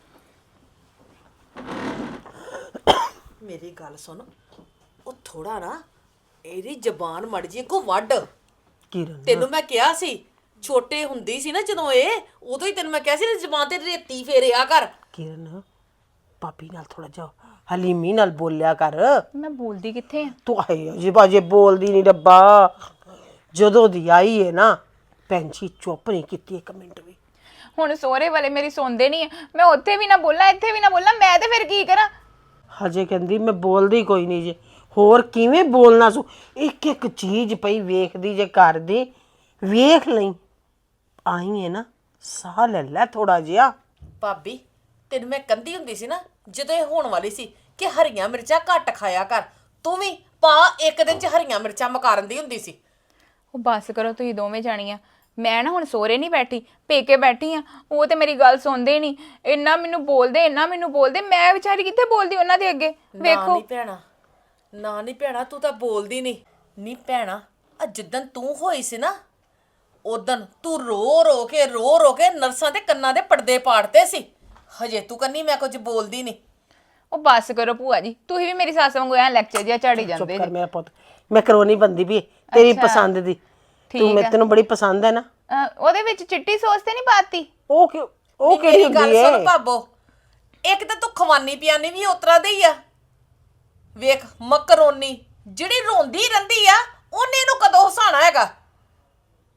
ਮੇਰੀ ਗੱਲ ਸੁਣ, ਉਹ ਥੋੜਾ ਨਾ ਇਹਦੀ ਜ਼ਬਾਨ ਮੜ ਜੀ ਕੋ ਵੱਢ। ਕਿਰਨ ਤੈਨੂੰ ਮੈਂ ਕਿਹਾ ਸੀ ਛੋਟੇ ਹੁੰਦੀ ਸੀ ਨਾ ਜਦੋਂ ਇਹ, ਉਦੋਂ ਹੀ ਤੈਨੂੰ ਮੈਂ ਕਿਹਾ ਸੀ ਨਾ ਜ਼ਬਾਨ ਤੇ ਰੇਤੀ ਫੇਰਿਆ ਕਰ। ਕਿਰਨ ਪਾਪੀ ਨਾਲ ਥੋੜਾ ਜਿਹਾ ਹਲੀਮੀ ਨਾਲ ਬੋਲਿਆ ਕਰ। ਮੈਂ ਬੋਲਦੀ ਕਿੱਥੇ ਆ? ਤੂੰ ਆਏ ਅਜੇ ਬਾਜੇ ਬੋਲਦੀ ਨਹੀਂ ਡੱਬਾ। ਜਦੋਂ ਦੀ ਆਈ ਹੈ ਨਾ ਭੈਣ ਜੀ ਚੁੱਪ ਨਹੀਂ ਕੀਤੀ ਇੱਕ ਮਿੰਟ ਵੀ। ਹੁਣ ਸਹੁਰੇ ਵਾਲੇ ਮੇਰੀ ਸੁਣਦੇ ਨਹੀਂ ਆ, ਮੈਂ ਉੱਥੇ ਵੀ ਨਾ ਬੋਲਾਂ ਇੱਥੇ ਵੀ ਨਾ ਬੋਲਾਂ, ਮੈਂ ਤੇ ਫਿਰ ਕੀ ਕਰਾਂ? ਹਜੇ ਕਹਿੰਦੀ ਮੈਂ ਬੋਲਦੀ ਕੋਈ ਨਹੀਂ ਜੇ। ਹੋਰ ਕਿਵੇਂ ਬੋਲਣਾ ਸੂ? ਇੱਕ ਇੱਕ ਚੀਜ਼ ਪਈ ਵੇਖਦੀ ਜੇ ਘਰ ਦੀ, ਵੇਖ ਲਈ। ਆਈ ਹੈ ਨਾ, ਸਾਹ ਲੈ ਲੈ ਥੋੜਾ ਜਿਹਾ। ਭਾਬੀ ਤੈਨੂੰ ਮੈਂ ਕਹਿੰਦੀ ਹੁੰਦੀ ਸੀ ਨਾ ਜਦੋਂ ਇਹ ਹੋਣ ਵਾਲੀ ਸੀ ਕਿ ਹਰੀਆਂ ਮਿਰਚਾਂ ਘੱਟ ਖਾਇਆ ਕਰ, ਤੂੰ ਵੀ ਪਾ ਇੱਕ ਦਿਨ 'ਚ ਹਰੀਆਂ ਮਿਰਚਾਂ ਮਕਾਰਨ ਦੀ ਹੁੰਦੀ ਸੀ। ਉਹ ਬਸ ਕਰੋ ਤੁਸੀਂ ਦੋਵੇਂ ਜਾਣੀਆਂ। ਮੈਂ ਨਾ ਹੁਣ ਸਹੁਰੇ ਨਹੀਂ ਬੈਠੀ, ਪੇਕੇ ਬੈਠੀ ਆ। ਉਹ ਤੇ ਮੇਰੀ ਗੱਲ ਸੁਣਦੇ ਨਹੀਂ, ਇੰਨਾ ਮੈਨੂੰ ਬੋਲਦੇ ਇੰਨਾ ਮੈਨੂੰ ਬੋਲਦੇ, ਮੈਂ ਵਿਚਾਰੀ ਕਿੱਥੇ ਬੋਲਦੀ ਉਹਨਾਂ ਦੇ ਅੱਗੇ? ਨਾ ਵੇਖੋ ਨਹੀਂ ਭੈਣਾ, ਨਾ ਨਹੀਂ ਭੈਣਾ, ਤੂੰ ਤਾਂ ਬੋਲਦੀ ਨਹੀਂ। ਨਹੀਂ ਭੈਣਾ, ਆ ਜਿੱਦਣ ਤੂੰ ਹੋਈ ਸੀ ਨਾ ਉਦਣ ਤੂੰ ਰੋ ਰੋ ਕੇ ਰੋ ਰੋ ਕੇ ਨਰਸਾਂ ਦੇ ਕੰਨਾਂ ਦੇ ਪਰਦੇ ਪਾੜਤੇ ਸੀ। ਹਜੇ ਤੂੰ ਕੰਨੀ ਮੈਂ ਕੁਝ ਬੋਲਦੀ ਨਹੀਂ। ਉਹ ਬਸ ਕਰੋ ਭੂਆ ਜੀ, ਤੁਸੀਂ ਵੀ ਮੇਰੀ ਸੱਸ ਵਾਂਗੂ ਐ ਲੈਕਚਰ ਜਿਹਾ ਝਾੜੀ ਚੁੱਪ ਜਾਂਦੇ ਕਰ ਜੀ। ਮੇਰਾ ਪੁੱਤ, ਮੈਂ ਕਰੋਨੀ ਬੰਦੀ ਵੀ ਤੇਰੀ ਅੱਛਾ। ਪਸੰਦ ਦੀ। ਤੂੰ ਠੀਕ ਮੈਂ ਆ। ਤੈਨੂੰ ਬੜੀ ਪਸੰਦ ਹੈ ਨਾ। ਅਹ, ਉਹਦੇ ਵਿੱਚ ਚਿੱਟੀ ਸੌਸ ਤੇ ਨਹੀਂ ਪਾਤੀ? ਉਹ ਕਿ ਉਹ ਨਹੀਂ, ਕਿਹੜੀ ਮੇਰੀ ਗੱਲ ਹੁੰਦੀ ਸੁਣ ਹੈ? ਭਾਬੋ, ਇੱਕ ਤਾਂ ਤੂੰ ਖਵਾਨੀ ਪਿਆਨੀ ਵੀ ਉਤਰਾ ਦੇ ਹੀ ਆ। ਵੇਖ ਮਕਰੋਨੀ ਜਿਹੜੀ ਰੋਂਦੀ ਰਹਿੰਦੀ ਆ, ਉਹਨੇ ਇਹਨੂੰ ਕਦੋਂ ਹਸਾਣਾ ਹੈਗਾ?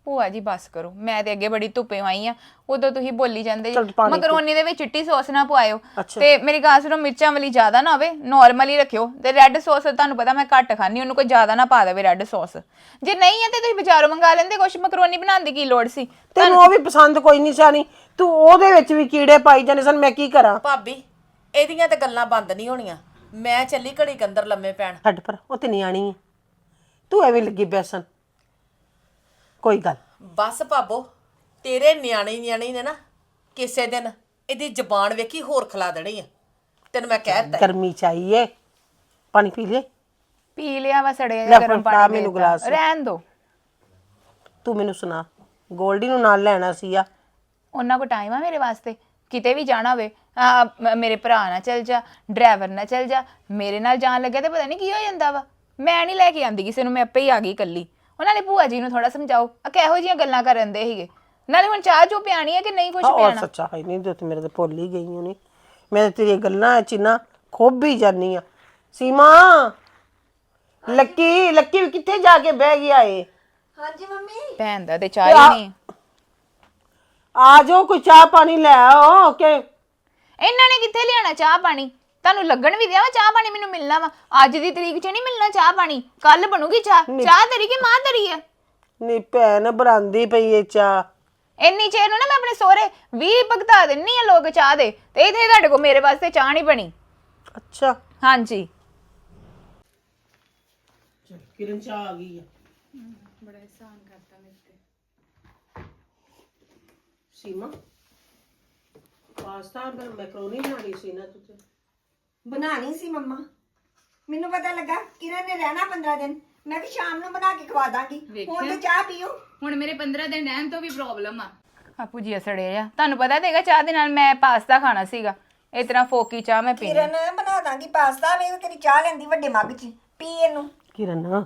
ਭੂਆ ਜੀ ਬਸ ਕਰੋ, ਮੈਂ ਤੇ ਅੱਗੇ ਬੜੀ ਧੁੱਪੇ ਆਈ ਆ, ਉਦੋਂ ਤੁਸੀਂ ਬੋਲੀ ਜਾਂਦੇ ਜੀ। ਚੱਲ ਪਾਣੀ ਪੀ। ਮਕਰੋਨੀ ਦੇ ਵਿੱਚ ਚਿੱਟੀ ਸੌਸ ਨਾ ਪਵਾਇਓ, ਅੱਛਾ। ਤੇ ਮੇਰੀ ਗੱਲ ਸੁਣੋ, ਮਿਰਚਾਂ ਵਾਲੀ ਜ਼ਿਆਦਾ ਨਾ ਹੋਵੇ, ਨਾਰਮਲ ਹੀ ਰੱਖਿਓ। ਤੇ ਰੈੱਡ ਸੌਸ ਤੁਹਾਨੂੰ ਪਤਾ ਮੈਂ ਘੱਟ ਖਾਣੀ, ਉਹਨੂੰ ਕੋਈ ਜ਼ਿਆਦਾ ਨਾ ਪਾ ਦੇਵੇ ਰੈੱਡ ਸੌਸ। ਜੇ ਨਹੀਂ ਹੈ ਤੇ ਤੁਸੀਂ ਬਾਜ਼ਾਰੋਂ ਮੰਗਾ ਲੈਂਦੇ ਕੁਛ, ਮਕਰੋਨੀ ਬਣਾਉਣ ਦੀ ਕੀ ਲੋੜ ਸੀ? ਤੈਨੂੰ ਉਹ ਵੀ ਪਸੰਦ ਕੋਈ ਨਹੀਂ ਸਾਨੀ, ਤੂੰ ਉਹਦੇ ਵਿੱਚ ਵੀ ਕੀੜੇ ਪਾਈ ਜਾਂਦੇ ਸਨ, ਮੈਂ ਕੀ ਕਰਾਂ? ਭਾਬੀ ਇਹਦੀਆਂ ਤੇ ਗੱਲਾਂ ਬੰਦ ਨਹੀਂ ਹੋਣੀਆਂ। ਮੈਂ ਚੱਲੀ ਘੜੀ ਕੁ ਅੰਦਰ ਲੰਮੇ ਪੈਣ। ਛੱਡ ਪਰ, ਉਹ ਤੇ ਨਿਆਣੀ ਹੈ, ਤੂੰ ਐਵੇਂ ਲੱਗੀ ਬੈਸਨ। ਕੋਈ ਗੱਲ ਬਸ ਭਾਬੋ, ਤੇਰੇ ਨਿਆਣੇ ਨਿਆਣੇ ਨੇ ਨਾ ਕਿਸੇ ਦਿਨ ਇਹਦੀ ਜ਼ਬਾਨ ਵੇਖੀ ਹੋਰ ਖਿਲਾ ਦੇਣੀ ਆ, ਤੈਨੂੰ ਮੈਂ ਕਹਿ ਦਿੱਤਾ। ਗਰਮੀ ਚਾਹੀਏ, ਪਾਣੀ ਪੀ ਲੈ। ਪੀ ਲਿਆ ਵਾ ਸੜਿਆ ਲੈ ਜਿਹਾ ਫੜ, ਗਰਮ ਫੜਾ ਪਾਣੀ, ਮੈਨੂੰ ਮੈਨੂੰ ਗਲਾਸ। ਰਹਿਣ ਦੋ। ਤੂੰ ਮੈਨੂੰ ਸੁਣਾ, ਗੋਲਡੀ ਨੂੰ ਨਾਲ ਲੈਣਾ ਸੀ ਆ? ਉਹਨਾਂ ਕੋ ਟਾਈਮ ਆ ਮੇਰੇ ਵਾਸਤੇ? ਕਿਤੇ ਵੀ ਜਾਣਾ ਹੋਵੇ ਆ ਮ- ਮੇਰੇ ਭਰਾ ਨਾਲ ਚੱਲ ਜਾ, ਡਰਾਈਵਰ ਨਾਲ ਚੱਲ ਜਾ, ਮੇਰੇ ਨਾਲ ਜਾਣ ਲੱਗਿਆ ਤੇ ਪਤਾ ਨਹੀਂ ਕੀ ਹੋ ਜਾਂਦਾ ਵਾ। ਮੈਂ ਨਹੀਂ ਲੈ ਕੇ ਆਂਦੀ ਕਿਸੇ ਨੂੰ, ਮੈਂ ਆਪੇ ਹੀ ਆ ਗਈ ਇਕੱਲੀ। ਉਹਨਾਂ ਨੇ ਭੂਆ ਜੀ ਨੂੰ ਥੋੜਾ ਸਮਝਾਓ, ਆ ਕਿਹੋ ਜਿਹੀਆਂ ਗੱਲਾਂ ਕਰਨ ਦੇ ਸੀਗੇ। ਨਾਲੇ ਹੁਣ ਚਾਹ ਜੋ ਪਿਆਣੀ ਹੈ ਕਿ ਨਹੀਂ ਕੁਝ ਔਰ ਪਿਆਣਾ? ਸੱਚਾ ਹੈ ਨਹੀਂ, ਤੇ ਮੇਰੇ ਤੇ ਭੁੱਲ ਹੀ ਗਈ ਹੋਣੀ। ਮੈਂ ਤੇ ਤੇਰੀਆਂ ਗੱਲਾਂ ਚ ਨਾ ਖੁੱਭ ਹੀ ਜਾਨੀ ਆ। ਸੀਮਾ, ਲੱਕੀ ਲੱਕੀ ਵੀ ਕਿੱਥੇ ਜਾ ਕੇ ਬਹਿ ਗਿਆ ਏ? ਹਾਂਜੀ ਮੰਮੀ। ਭੈਣ ਦਾ ਤੇ ਚਾਹ ਹੀ ਨਹੀਂ। ਆ ਜਾਓ, ਕੋਈ ਚਾਹ ਪਾਣੀ ਲੈ ਆਓ ਕਿ ਇਹਨਾਂ ਨੇ ਕਿੱਥੇ ਲਿਆਣਾ ਚਾਹ ਪਾਣੀ? ਤੁਹਾਨੂੰ ਲੱਗਣ ਵੀ ਦਿਆ ਵਾ ਚਾਹ ਪਾਣੀ ਮੈਨੂੰ ਮਿਲਣਾ ਵਾ? ਅੱਜ ਦੀ ਤਰੀਕ 'ਚ ਨਹੀਂ ਮਿਲਣਾ ਚਾਹ ਪਾਣੀ, ਕੱਲ ਬਣੂਗੀ ਚਾਹ। ਚਾਹ ਤੇਰੀ ਕਿ ਮਾਂ ਤੇਰੀ ਆ? ਨੀ ਭੈਣ ਬਣਾਉਂਦੀ ਪਈ ਏ ਚਾਹ। ਇੰਨੀ ਚਿਰ ਨੂੰ ਨਾ ਮੈਂ ਆਪਣੇ ਸਹੁਰੇ ਵੀਹ ਭਗਤਾ ਦਿੰਨੀ ਆ ਲੋਕ ਚਾਹ ਦੇ, ਤੇ ਇਥੇ ਤੁਹਾਡੇ ਕੋਲ ਮੇਰੇ ਵਾਸਤੇ ਚਾਹ ਨਹੀਂ ਬਣੀ। ਅੱਛਾ, ਹਾਂਜੀ ਕਿਰਨ ਚਾਹ ਆ ਗਈ ਹੈ। ਬੜਾ ਇਹਸਾਨ ਕਰਤਾ ਮੇਰੇ ਤੇ। ਸੀਮਾ, ਪਾਸਤਾ ਅੰਦਰ ਮੈਕਰੋਨੀ ਬਣਾਣੀ ਸੀ ਨਾ ਤੁਸੀਂ? ਬਣਾਣੀ ਸੀ ਮੰਮਾ, ਮੈਨੂੰ ਪਤਾ ਲੱਗਾ ਕਿਰਨ ਨੇ ਰਹਿਣਾ ਪੰਦਰਾਂ ਦਿਨ, ਮੈਂ ਕਿ ਸ਼ਾਮ ਨੂੰ ਬਣਾ ਕੇ ਖਵਾ ਦਾਂਗੀ। ਹੁਣ ਤੇ ਚਾਹ ਪੀਓ। ਹੁਣ ਮੇਰੇ ਪੰਦਰਾਂ ਦਿਨ ਰਹਿਣ ਤੋਂ ਵੀ ਪ੍ਰੋਬਲਮ ਆ। ਆਪੂ ਜੀ ਅਸੜੇ ਆ, ਤੁਹਾਨੂੰ ਪਤਾ ਤੇਗਾ ਚਾਹ ਦੇ ਨਾਲ ਮੈਂ ਪਾਸਤਾ ਖਾਣਾ ਸੀਗਾ, ਇਸ ਤਰ੍ਹਾਂ ਫੋਕੀ ਚਾਹ ਮੈਂ ਪੀਣੀ। ਕਿਰਨ ਬਣਾ ਦਾਂਗੀ ਪਾਸਤਾ, ਵੇ ਤੇਰੀ ਚਾਹ ਲੈਂਦੀ ਵੱਡੇ ਮੱਗ 'ਚ, ਪੀ ਇਹਨੂੰ। ਕਿਰਨ,